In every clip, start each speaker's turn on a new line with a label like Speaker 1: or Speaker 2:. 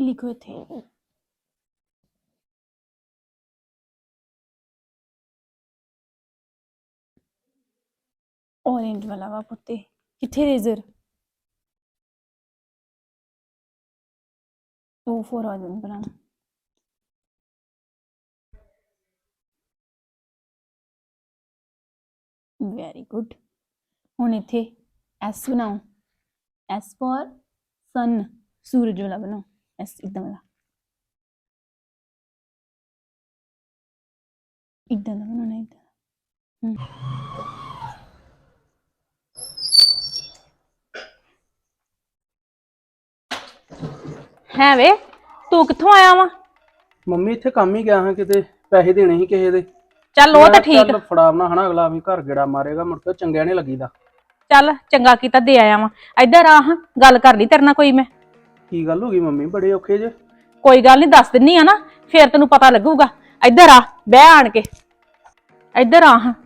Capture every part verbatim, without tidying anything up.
Speaker 1: लिखो इथे ऑरेंज वाला वा पुत्ते किथे रेजर ओ फोर आ जान बनाना वेरी गुड हुण इथे एस बनाओ एस फॉर सन सूरज वाला बनाओ एस इधर वाला इधर वाला बनाना इधर है वे तू कित्थों आया वा
Speaker 2: ਮੰਮੀ ਇੱਥੇ ਕੰਮ ਹੀ ਗਿਆ ਹਾਂ ਕਿਤੇ ਪੈਸੇ ਦੇਣੇ ਸੀ ਕਿਸੇ ਦੇ
Speaker 1: ਚੱਲ ਉਹ ਤਾਂ ਠੀਕ
Speaker 2: ਚੱਲ ਫੜਾਵਣਾ ਹਨਾ ਅਗਲਾ ਵੀ ਘਰ ਗੇੜਾ ਮਾਰੇਗਾ ਮੁੜ ਕੇ ਚੰਗਿਆ ਨਹੀਂ ਲੱਗੀਦਾ
Speaker 1: ਚੱਲ ਚੰਗਾ ਕੀਤਾ ਦੇ ਆਇਆ ਵਾ ਇੱਧਰ ਆ ਹਾਂ ਗੱਲ ਕਰ ਲਈ ਤੇਰੇ ਨਾਲ ਕੋਈ ਮੈਂ
Speaker 2: ਕੀ ਗੱਲ ਹੋ ਗਈ ਮੰਮੀ ਬੜੇ ਔਖੇ ਜੇ
Speaker 1: ਕੋਈ ਗੱਲ ਨਹੀਂ ਦੱਸ ਦਿੰਨੀ ਆ ਨਾ ਫੇਰ ਤੈਨੂੰ ਪਤਾ ਲੱਗੂਗਾ ਇੱਧਰ ਆ ਬਹਿ ਆਣ ਕੇ ਇੱਧਰ ਆ ਹਾਂ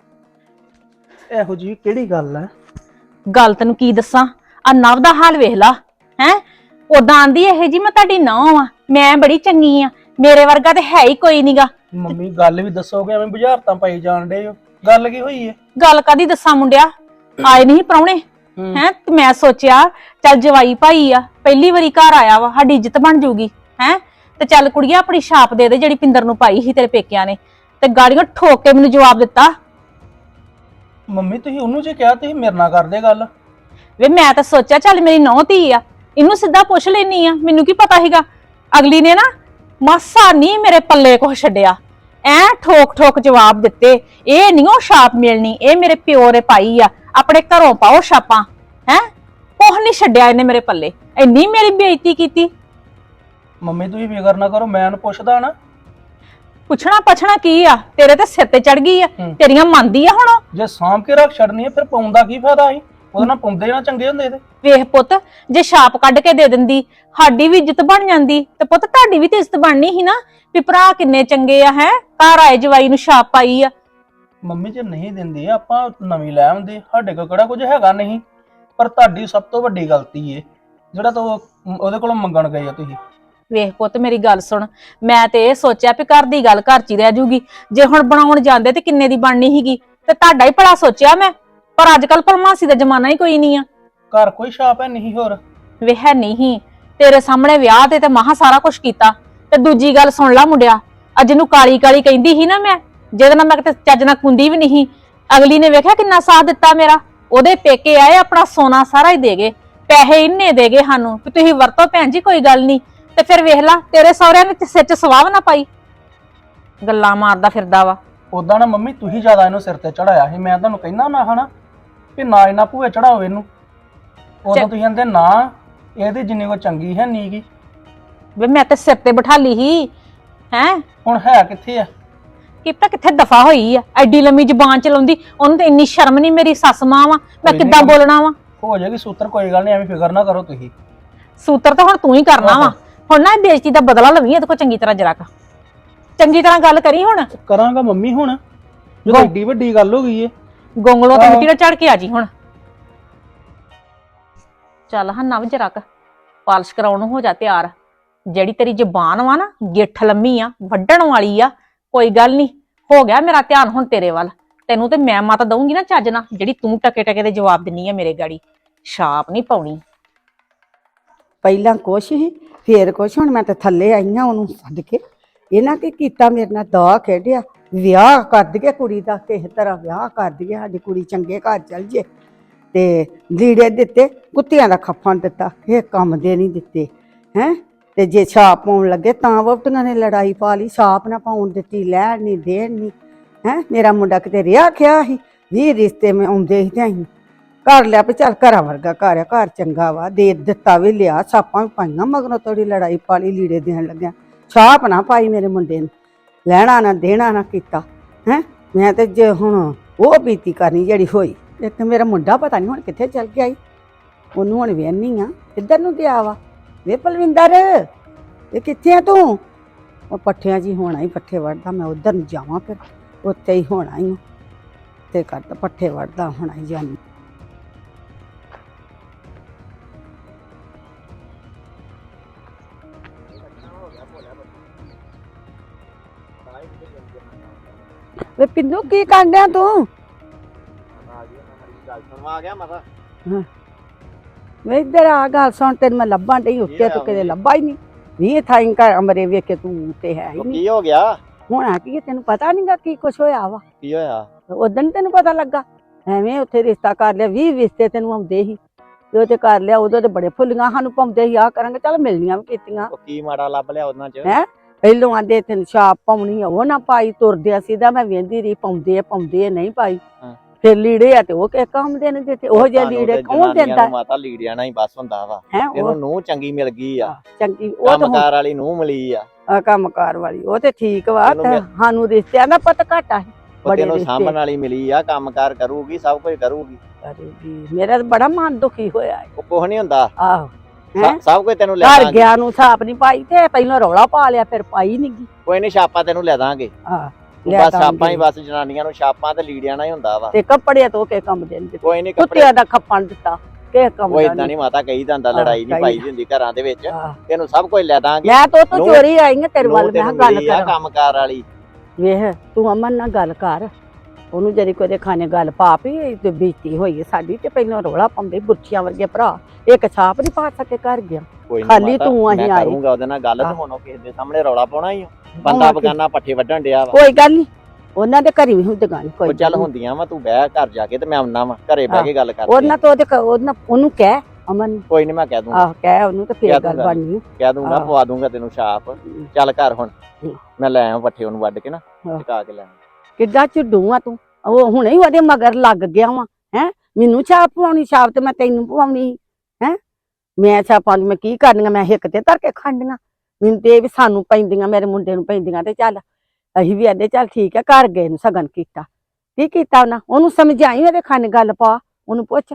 Speaker 2: ਇਹੋ ਜੀ ਕਿਹੜੀ ਗੱਲ ਹੈ
Speaker 1: ਗੱਲ ਤੈਨੂੰ ਕੀ ਦੱਸਾਂ ਆ ਨਵ ਦਾ ਹਾਲ ਵੇਖ ਲਾ ਹੈ ਉਦਾਂ ਆਂਦੀ ਇਹ ਜੀ ਮੈਂ ਤੁਹਾਡੀ ਨੌਂ ਆ ਮੈਂ ਬੜੀ ਚੰਗੀ ਆ ਮੇਰੇ ਵਰਗਾ ਤੇ ਹੈ ਹੀ ਕੋਈ ਨਹੀਂਗਾ
Speaker 2: ਮੰਮੀ ਗੱਲ ਵੀ ਦੱਸੋਗੇ ਐਵੇਂ ਬੁਝਾਰਤਾਂ ਪਾਈ ਜਾਣ ਡੇ ਗੱਲ ਕੀ ਹੋਈ ਹੈ
Speaker 1: ਗੱਲ ਕਾਦੀ ਦੱਸਾਂ ਮੁੰਡਿਆ ਆਏ ਨਹੀਂ ਪ੍ਰਾਹੁਣੇ ਹੈ ਤੇ ਮੈਂ ਸੋਚਿਆ ਚੱਲ ਜਵਾਈ ਭਾਈ ਆ ਪਹਿਲੀ ਵਾਰੀ ਘਰ ਆਇਆ ਵਾ ਸਾਡੀ ਇੱਜ਼ਤ ਬਣ ਜੂਗੀ ਹੈ ਤੇ ਚੱਲ ਕੁੜੀਆਂ ਆਪਣੀ ਛਾਪ ਦੇ ਦੇ ਜਿਹੜੀ ਪਿੰਦਰ ਨੂੰ ਪਾਈ ਸੀ ਤੇਰੇ ਪੇਕਿਆਂ ਨੇ ਤੇ ਗਾੜੀਆਂ ਠੋਕ ਕੇ ਮੈਨੂੰ ਜਵਾਬ ਦਿੱਤਾ
Speaker 2: ਮੰਮੀ ਤੁਸੀਂ ਉਹਨੂੰ ਜੇ ਕਿਹਾ ਤੁਸੀਂ ਮੇਰੇ ਨਾਲ ਕਰਦੇ ਗੱਲ
Speaker 1: ਵੇ ਮੈਂ ਤਾਂ ਸੋਚਿਆ ਚੱਲ ਮੇਰੀ ਨੌਂ ਧੀ ਆ ਇਹਨੂੰ ਸਿੱਧਾ ਪੁੱਛ ਲੈਣੀ ਆ ਮੈਨੂੰ ਕੀ ਪਤਾ ਸੀਗਾ ਅਗਲੀ ਨੇ ਨਾ ਮਾਸਾ ਨਹੀਂ ਮੇਰੇ ਪੱਲੇ ਕੁਛ ਛੱਡਿਆ ਐ ਠੋਕ ਠੋਕ ਜਵਾਬ ਦਿੱਤੇ ਇਹ ਨਹੀਂ ਉਹ ਛਾਪ ਮਿਲਣੀ ਇਹ ਮੇਰੇ ਪਿਓ ਨੇ ਪਾਈ ਆ ਆਪਣੇ ਘਰੋਂ ਪਾਓ ਛਾਪਾਂ ਹੈ ਕੁਛ ਨਹੀਂ ਛੱਡਿਆ ਇਹਨੇ ਮੇਰੇ ਪੱਲੇ ਇੰਨੀ ਮੇਰੀ ਬੇਇੱਜ਼ਤੀ ਕੀਤੀ
Speaker 2: ਮੰਮੀ ਤੁਸੀਂ ਫਿਕਰ ਨਾ ਕਰੋ ਮੈਂ ਉਹਨੂੰ ਪੁੱਛਦਾ ਨਾ
Speaker 1: ਪੁੱਛਣਾ ਪਛਣਾ ਕੀ ਆ ਤੇਰੇ ਤੇ ਸਿਰ ਤੇ ਚੜ ਗਈ ਆ ਤੇਰੀਆਂ ਮੰਨਦੀ ਆ ਹੁਣ
Speaker 2: ਜੇ ਸਾਂਭ ਕੇ ਰੱਖ ਛੱਡਣੀ ਹੈ ਫਿਰ ਪਾਉਂਦਾ ਕੀ ਫਾਇਦਾ ਸੀ ਉਹਦੇ ਨਾਲ ਪਾਉਂਦੇ ਨਾ ਚੰਗੇ ਹੁੰਦੇ ਤੇ
Speaker 1: ਵੇਖ ਪੁੱਤ ਜੇ ਛਾਪ ਕੱਢ ਕੇ ਦੇ ਦਿੰਦੀ ਸਾਡੀ ਵੀ ਇੱਜ਼ਤ ਬਣ ਜਾਂਦੀ ਤੇ ਪੁੱਤ ਤੁਹਾਡੀ ਵੀ ਤੇ ਇੱਜ਼ਤ ਬਣਨੀ ਸੀ ਨਾ ਵੀ ਭਰਾ ਕਿੰਨੇ ਚੰਗੇ ਆ ਹੈ ਘਰ ਆਏ ਜਵਾਈ ਨੂੰ ਛਾਪ ਪਾਈ ਆ
Speaker 2: ਮੰਮੀ ਜੇ ਨਹੀਂ ਦਿੰਦੇ ਆਪਾਂ ਨਵੀਂ ਲੈ ਆਉਂਦੇ ਸਾਡੇ ਕੋਲ ਕਿਹੜਾ ਕੁਝ ਹੈਗਾ ਨਹੀਂ ਪਰ ਤੁਹਾਡੀ ਸਭ ਤੋਂ ਵੱਡੀ ਗਲਤੀ ਏ ਜਿਹੜਾ ਤੂੰ ਉਹਦੇ ਕੋਲੋਂ ਮੰਗਣ ਗਏ ਆ ਤੁਸੀਂ
Speaker 1: ਵੇਖ ਪੁੱਤ ਮੇਰੀ ਗੱਲ ਸੁਣ ਮੈਂ ਤੇ ਇਹ ਸੋਚਿਆ ਵੀ ਘਰ ਦੀ ਗੱਲ ਘਰ ਚ ਹੀ ਰਹਿ ਜੂਗੀ ਜੇ ਹੁਣ ਬਣਾਉਣ ਜਾਂਦੇ ਤੇ ਕਿੰਨੇ ਦੀ ਬਣਨੀ ਸੀਗੀ ਤੇ ਤੁਹਾਡਾ ਹੀ ਭਲਾ ਸੋਚਿਆ ਮੈਂ ਪਰ ਅੱਜ ਕੱਲ ਪਰਮਾਸੀ ਦਾ ਜ਼ਮਾਨਾ ਹੀ ਕੋਈ ਨਹੀਂ ਆ
Speaker 2: ਘਰ ਕੋਈ ਛਾਪ ਹੈ ਨਹੀਂ ਹੋਰ
Speaker 1: ਵੇ ਹੈ ਨਹੀਂ ਤੇਰੇ ਸਾਹਮਣੇ ਵਿਆਹ ਤੇ ਤੇ ਮਹਾ ਸਾਰਾ ਕੁਝ ਕੀਤਾ ਤੇ ਦੂਜੀ ਗੱਲ ਸੁਣ ਲਾ ਮੁੰਡਿਆ ਅੱਜ ਨੂੰ ਕਾਲੀ ਕਾਲੀ ਕਹਿੰਦੀ ਸੀ ਨਾ ਮੈਂ ਜਿਹਦੇ ਨਾਲ ਮੈਂ ਕਿਤੇ ਚੱਜ ਨਾਲ ਕੁੰਦੀ ਵੀ ਨਹੀਂ ਅਗਲੀ ਨੇ ਵੇਖਿਆ ਕਿੰਨਾ ਸਾਥ ਦਿੱਤਾ ਮੇਰਾ ਉਹਦੇ ਪੇਕੇ ਆਏ ਆਪਣਾ ਸੋਨਾ ਸਾਰਾ ਹੀ ਦੇ ਗਏ ਪੈਸੇ ਇੰਨੇ ਦੇ ਗਏ ਸਾਨੂੰ ਕਿ ਤੁਸੀਂ ਵਰਤੋ ਭੈਣ ਜੀ ਕੋਈ ਗੱਲ ਨਹੀਂ ਤੇ ਫਿਰ ਵੇਖ ਲਾ ਤੇਰੇ ਸਹੁਰਿਆਂ ਨੇ ਸਿਰ 'ਚ ਸਵਾਹ ਨਾ ਪਾਈ ਗੱਲਾਂ ਮਾਰਦਾ ਫਿਰਦਾ ਵਾ
Speaker 2: ਉਦਾਂ ਨਾ ਮੰਮੀ ਤੁਸੀਂ ਜ਼ਿਆਦਾ ਇਹਨੂੰ ਸਿਰ ਤੇ ਚੜਾਇਆ ਸੀ ਮੈਂ ਤੁਹਾਨੂੰ ਕਹਿੰਦਾ ਨਾ ਹਨਾ ਕਿ ਨਾ ਇਹਨਾਂ ਭੂਏ ਚੜਾਓ ਇਹਨੂੰ ਉਦੋਂ ਤੁਸੀਂ ਕਹਿੰਦੇ ਨਾ ਇਹਦੀ ਜਿੰਨੀ ਕੋ ਚੰਗੀ ਹੈ ਨੀਗੀ
Speaker 1: ਵੇ ਮੈਂ ਤੇ ਸਿਰ ਤੇ ਬਿਠਾ ਲਈ ਸੀ ਹੈ
Speaker 2: ਹੁਣ ਹੈ ਕਿੱਥੇ ਆ
Speaker 1: ਕਿਪਤਾ ਕਿੱਥੇ ਦਫਾ ਹੋਈ ਆ ਐਡੀ ਲੰਮੀ ਜ਼ੁਬਾਨ ਚਲਾਉਂਦੀ ਉਹਨੂੰ ਤੇ ਇੰਨੀ ਸ਼ਰਮ ਨਹੀਂ ਮੇਰੀ ਸੱਸ ਮਾਂ ਵਾ ਮੈਂ ਕਿੱਦਾਂ ਬੋਲਣਾ ਵਾ
Speaker 2: ਹੋ ਜਾਏਗੀ ਸੂਤਰ ਕੋਈ ਗੱਲ ਨਹੀਂ ਐਵੇਂ ਫਿਕਰ ਨਾ ਕਰੋ ਤੁਸੀਂ
Speaker 1: ਸੂਤਰ ਤਾਂ ਹੁਣ ਤੂੰ ਹੀ ਕਰਨਾ ਵਾ ਹੁਣ ਨਾ ਬੇਇੱਜ਼ਤੀ ਦਾ ਬਦਲਾ ਲਵੀਂ ਇਹਦੇ ਕੋ ਚੰਗੀ ਤਰ੍ਹਾਂ ਜਰਾ ਕ ਚੰਗੀ ਤਰ੍ਹਾਂ ਗੱਲ ਕਰੀ ਹੁਣ
Speaker 2: ਕਰਾਂਗਾ ਮੰਮੀ ਹੁਣ ਜਦੋਂ ਏਡੀ ਵੱਡੀ ਗੱਲ ਹੋ ਗਈ ਏ
Speaker 1: ਗੋਂਗਲੋਂ ਤੇ ਮਿੱਟੀ ਦਾ ਚੜ ਕੇ ਆ ਜੀ ਹੁਣ ਚੱਲ ਹਾਂ ਨਵ ਜਰਾ ਕ ਪਾਲਿਸ਼ ਕਰਾਉਣ ਨੂੰ ਹੋ ਜਾ ਤਿਆਰ ਜਿਹੜੀ ਤੇਰੀ ਜ਼ੁਬਾਨ ਵਾ ਨਾ ਗਿੱਠ ਲੰਮੀ ਆ ਵੱਢਣ ਵਾਲੀ ਆ ਕੋਈ ਗੱਲ ਨਹੀਂ ਹੋ ਗਿਆ ਮੇਰਾ ਧਿਆਨ ਹੁਣ ਤੇਰੇ ਵੱਲ ਤੈਨੂੰ ਤੇ ਮੈਂ ਮਤ ਦਊਂਗੀ ਨਾ ਚੱਜ ਨਾ ਜਿਹੜੀ ਤੂੰ ਟਕੇ ਟਕੇ ਦੇ ਜਵਾਬ ਦਿੰਨੀ ਆ ਮੇਰੇ ਗਾੜੀ ਛਾਪ ਨਹੀਂ ਪਾਉਣੀ
Speaker 3: ਪਹਿਲਾਂ ਕੁਛ ਹੀ ਫੇਰ ਕੁਛ ਹੁਣ ਮੈਂ ਤੇ ਥੱਲੇ ਆਈ ਆ ਉਹਨੂੰ ਛੱਡ ਕੇ ਇਹਨਾਂ ਕੀ ਕੀਤਾ ਮੇਰੇ ਨਾਲ ਦਾ ਖੇਡਿਆ ਵਿਆਹ ਕਰ ਦਈਏ ਕੁੜੀ ਦਾ ਕਿਸੇ ਤਰ੍ਹਾਂ ਵਿਆਹ ਕਰ ਦਈਏ ਸਾਡੀ ਕੁੜੀ ਚੰਗੇ ਘਰ ਚਲ ਜੇ ਤੇ ਲੀੜੇ ਦਿੱਤੇ ਕੁੱਤਿਆਂ ਦਾ ਖੱਫਣ ਦਿੱਤਾ ਇਹ ਕੰਮ ਦੇ ਨਹੀਂ ਦਿੱਤੇ ਹੈ ਤੇ ਜੇ ਛਾਪ ਪਾਉਣ ਲੱਗੇ ਤਾਂ ਵੋਟੀਆਂ ਨੇ ਲੜਾਈ ਪਾ ਲਈ ਛਾਪ ਨਾ ਪਾਉਣ ਦਿੱਤੀ ਲੈਣ ਨਹੀਂ ਦੇਣ ਨਹੀਂ ਹੈ ਮੇਰਾ ਮੁੰਡਾ ਕਿਤੇ ਰਿਹਾ ਖਿਆ ਸੀ ਵੀ ਰਿਸ਼ਤੇ ਮੈਂ ਆਉਂਦੇ ਸੀ ਤੇ ਅਸੀਂ ਕਰ ਲਿਆ ਵੀ ਚੱਲ ਘਰਾਂ ਵਰਗਾ ਘਰ ਆ ਘਰ ਚੰਗਾ ਵਾ ਦੇ ਦਿੱਤਾ ਵੀ ਲਿਆ ਛਾਪਾਂ ਵੀ ਪਾਈਆਂ ਮਗਰੋਂ ਥੋੜੀ ਲੜਾਈ ਪਾ ਲਈ ਲੀੜੇ ਦੇਣ ਲੱਗਿਆ ਛਾਪ ਨਾ ਪਾਈ ਮੇਰੇ ਮੁੰਡੇ ਨੂੰ ਲੈਣਾ ਨਾ ਦੇਣਾ ਨਾ ਕੀਤਾ ਹੈ ਮੈਂ ਤੇ ਜੇ ਹੁਣ ਉਹ ਬੀਤੀ ਕਰਨੀ ਜਿਹੜੀ ਹੋਈ ਇੱਕ ਮੇਰਾ ਮੁੰਡਾ ਪਤਾ ਨਹੀਂ ਹੁਣ ਕਿੱਥੇ ਚਲ ਗਿਆ ਈ ਉਹਨੂੰ ਹੁਣ ਵੇਹਨੀ ਆ ਕਿੱਧਰ ਨੂੰ ਗਿਆ ਵਾ ਵੇ ਪਲਵਿੰਦਰ ਇਹ ਕਿੱਥੇ ਆ ਤੂੰ ਉਹ ਪੱਠਿਆਂ 'ਚ ਹੀ ਹੋਣਾ ਹੀ ਪੱਠੇ ਵੜਦਾ ਮੈਂ ਉਧਰ ਨੂੰ ਜਾਵਾਂ ਫਿਰ ਉੱਥੇ ਹੀ ਹੋਣਾ ਹੀ ਤੇ ਕਰਦਾ ਪੱਠੇ ਵੜਦਾ ਹੋਣਾ ਹੀ ਜਾਨੀ ਵੇ ਪਿੰਦੂ ਕੀ ਕਰਦਿਆ ਤੂੰ?
Speaker 4: ਆ ਗਿਆ ਮਾਤਾ
Speaker 3: ਵੇ ਇੱਧਰ ਆ ਗੱਲ ਸੁਣ, ਤੈਨੂੰ ਮੈਂ ਲੱਭਾਂ ਡਈ ਉੱਤੇ, ਤੂੰ ਕਿਤੇ ਲੱਭਾ ਹੀ ਨਹੀਂ। ਵੀ ਥਾਈਂ ਘਰ ਅਮਰੇ ਵੇਖ ਕੇ ਤੂੰ ਤੇ ਹੈ ਹੀ ਨਹੀਂ।
Speaker 4: ਕੀ ਹੋ ਗਿਆ?
Speaker 3: ਹੋਣਾ ਕੀ ਹੈ, ਤੈਨੂੰ ਪਤਾ ਨਹੀਂਗਾ ਕੀ ਕੁਛ ਹੋਇਆ ਵਾ?
Speaker 4: ਕੀ ਹੋਇਆ?
Speaker 3: ਉਦੋਂ ਨੀ ਤੈਨੂੰ ਪਤਾ ਲੱਗਾ? ਐਵੇਂ ਉੱਥੇ ਰਿਸ਼ਤਾ ਕਰ ਲਿਆ, ਵੀਹ ਰਿਸ਼ਤੇ ਤੈਨੂੰ ਆਉਂਦੇ ਸੀ ਤੇ ਉਹ ਤੇ ਕਰ ਲਿਆ। ਉਦੋਂ ਤੇ ਬੜੇ ਫੁੱਲੀਆਂ ਸਾਨੂੰ ਪਾਉਂਦੇ ਸੀ, ਆਹ ਕਰਾਂਗੇ, ਚੱਲ ਮਿਲਣੀਆਂ ਵੀ ਕੀਤੀਆਂ।
Speaker 4: ਕੀ ਮਾੜਾ ਲੱਭ ਲਿਆ ਉਹਨਾਂ ਚ?
Speaker 3: ਹੈ ਪਹਿਲੋਂ ਆਂਦੇ ਤੈਨੂੰ ਛਾਪ ਪਾਉਣੀ ਆ, ਉਹ ਨਾ ਪਾਈ, ਤੁਰਦਿਆ ਸਿੱਧਾ ਮੈਂ ਵੇਂਦੀ ਰਹੀ, ਪਾਉਂਦੇ ਆ ਪਾਉਂਦੇ ਆ, ਨਹੀਂ ਪਾਈ। ਫਿਰ ਲੀੜੇ ਆ ਤੇ ਉਹ ਕਿਹ ਕੰਮ ਦੇ ਨੇ ਦਿੱਤੇ, ਉਹ ਜਿਹੇ ਲੀੜੇ ਕੌਣ ਦਿੰਦਾ?
Speaker 4: ਮਾਤਾ ਲੀੜਿਆਂ ਨਾਲ ਹੀ ਬਸ ਹੁੰਦਾ ਵਾ।
Speaker 3: ਹੈ
Speaker 4: ਇਹਨੂੰ ਨੂੰਹ ਚੰਗੀ ਮਿਲ ਗਈ ਆ,
Speaker 3: ਚੰਗੀ ਉਹ ਤਾਂ
Speaker 4: ਕੰਮਕਾਰ ਵਾਲੀ ਨੂੰਹ ਮਿਲੀ ਆ।
Speaker 3: ਆ ਕੰਮਕਾਰ ਵਾਲੀ ਉਹ ਤੇ ਠੀਕ ਵਾ, ਤੇ ਸਾਨੂੰ ਰਿਸ਼ਤਿਆਂ ਦਾ ਪਤਾ ਘੱਟ ਆ।
Speaker 4: ਬੜੇ ਨੂੰ ਸਾਂਭਣ ਵਾਲੀ ਮਿਲੀ ਆ, ਕੰਮਕਾਰ ਕਰੂਗੀ, ਸਭ ਕੁਝ ਕਰੂਗੀ।
Speaker 3: ਕਰੂਗੀ। ਮੇਰਾ ਤਾਂ ਬੜਾ ਮਨ ਦੁਖੀ ਹੋਇਆ ਹੈ।
Speaker 4: ਉਹ ਕੁਝ ਨਹੀਂ ਹੁੰਦਾ।
Speaker 3: ਆਹੋ
Speaker 4: ਸਭ ਕੁਝ ਤੈਨੂੰ ਲੈ
Speaker 3: ਘਰ
Speaker 4: ਦਾਂਗੇ।
Speaker 3: ਗਿਆ ਨੂੰ ਛਾਪ ਨਹੀਂ ਪਾਈ ਤੇ ਪਹਿਲਾਂ ਰੌਲਾ ਪਾ ਲਿਆ, ਫਿਰ ਪਾਈ ਨਹੀਂ ਗਈ।
Speaker 4: ਕੋਈ ਨਹੀਂ, ਛਾਪਾ ਤੈਨੂੰ ਲੈ ਦਾਂਗੇ।
Speaker 3: ਹਾਂ
Speaker 4: ਬਸ ਛਾਪਾਂ ਹੀ, ਬਸ ਜਨਾਨੀਆਂ ਨੂੰ ਛਾਪਾਂ ਤੇ ਲੀੜਿਆਂ ਨਾਲ ਹੀ ਹੁੰਦਾ ਵਾ।
Speaker 3: ਤੇ ਕੱਪੜੇ ਧੋ ਕੇ ਕੰਮ ਦੇਣ
Speaker 4: ਕੋਈ ਨਹੀਂ,
Speaker 3: ਕੁੱਤਿਆਂ ਦਾ ਖੱਪਣ ਦਿੱਤਾ ਕਿ ਕੰਮ
Speaker 4: ਉਹ ਇਦਾਂ ਨਹੀਂ ਮਾਤਾ ਕਹੀ ਜਾਂਦਾ, ਲੜਾਈ ਨਹੀਂ ਪਾਈ ਹੁੰਦੀ ਘਰਾਂ ਦੇ ਵਿੱਚ। ਤੈਨੂੰ ਸਭ ਕੁਝ ਲੈ ਦਾਂਗੇ।
Speaker 3: ਮੈਂ ਤਾਂ ਤੂੰ ਚੋਰੀ ਆਈ ਆ ਤੇਰੇ ਵੱਲ, ਮੈਂ ਗੱਲ ਕਰ
Speaker 4: ਕੰਮਕਾਰ ਵਾਲੀ।
Speaker 3: ਵੇਖ ਤੂੰ ਅਮਨ ਨਾਲ ਗੱਲ ਕਰ, ਉਹਨੂੰ ਜਰੀ ਕੋਈ ਦੇ ਖਾਣੇ ਗੱਲ ਪਾ ਪਈ ਤੇ ਬੀਤੀ ਹੋਈ ਹੈ ਸਾਡੀ। ਤੇ ਪਹਿਲਾਂ ਰੌਲਾ ਪਾਉਂਦੇ ਬੁੱਚੀਆਂ ਵਰਗੇ ਭਰਾ, ਇੱਕ ਛਾਪ ਨਹੀਂ ਪਾ ਸਕੇ ਘਰ ਗਿਆ, ਖਾਲੀ ਤੂੰ ਅਸੀਂ ਆਏ।
Speaker 4: ਕਰੂੰਗਾ ਉਹਦੇ ਨਾਲ ਗੱਲ, ਤੇ ਹੁਣ ਕਿਸੇ ਦੇ ਸਾਹਮਣੇ ਰੌਲਾ ਪਾਉਣਾ ਹੀ ਬੰਦਾ ਬਗਾਨਾ ਪੱਠੇ ਵੱਢਣ ਡਿਆ ਵਾ।
Speaker 3: ਕੋਈ ਗੱਲ ਨਹੀਂ, ਉਹਨਾਂ ਦੇ ਘਰੀ ਵੀ ਹੁੰਦੀਆਂ ਨੇ। ਕੋਈ
Speaker 4: ਚੱਲ ਹੁੰਦੀਆਂ ਵਾ, ਤੂੰ ਬਹਿ ਘਰ ਜਾ ਕੇ ਤੇ ਮੈਂ ਆਉਣਾ ਵਾ, ਘਰੇ ਬਹਿ ਕੇ ਗੱਲ ਕਰਦੇ।
Speaker 3: ਉਹਨਾਂ ਤੋਂ ਉਹਦੇ ਉਹਨਾਂ ਉਹਨੂੰ ਕਹਿ ਅਮਨ।
Speaker 4: ਕੋਈ ਨਹੀਂ, ਮੈਂ ਕਹਿ ਦੂੰਗਾ।
Speaker 3: ਆਹ ਕਹਿ ਉਹਨੂੰ ਤੇ ਫੇਰ ਗੱਲ ਬਣਨੀ।
Speaker 4: ਕਹਿ ਦੂੰਗਾ, ਪਵਾ ਦੂੰਗਾ ਤੈਨੂੰ ਛਾਪ। ਚੱਲ ਘਰ ਹੁਣ, ਮੈਂ ਲੈ ਆਵਾਂ ਪੱਠੇ ਉਹਨੂੰ ਵੱਢ ਕੇ ਨਾ, ਟਿਕਾ ਕੇ ਲੈ।
Speaker 3: ਕਿੱਦਾਂ ਝੁੱਡੂ ਆ ਤੂੰ, ਉਹ ਹੁਣੇ ਹੀ ਉਹਦੇ ਮਗਰ ਲੱਗ ਗਿਆ ਵਾ। ਹੈ ਮੈਨੂੰ ਛਾਪ ਪਵਾਉਣੀ, ਛਾਪ ਤੇ ਮੈਂ ਤੈਨੂੰ ਪਵਾਉਣੀ ਹੈ। ਮੈਂ ਛਾਪਾਂ ਮੈਂ ਕੀ ਕਰਨੀਆਂ, ਮੈਂ ਹਿੱਕ ਤੇ ਧਰ ਕੇ ਖਾਂਡੀਆਂ। ਮੈਨੂੰ ਤੇ ਇਹ ਵੀ ਸਾਨੂੰ ਪੈਂਦੀਆਂ, ਮੇਰੇ ਮੁੰਡੇ ਨੂੰ ਪੈਂਦੀਆਂ। ਤੇ ਚੱਲ ਅਸੀਂ ਵੀ ਆਦੇ ਚੱਲ ਠੀਕ ਹੈ, ਘਰ ਗਏ ਨੂੰ ਸਗਨ ਕੀਤਾ। ਕੀ ਕੀਤਾ ਉਹਨਾਂ? ਉਹਨੂੰ ਸਮਝਾਈ, ਉਹਦੇ ਖਾਨੇ ਗੱਲ ਪਾ, ਉਹਨੂੰ ਪੁੱਛ।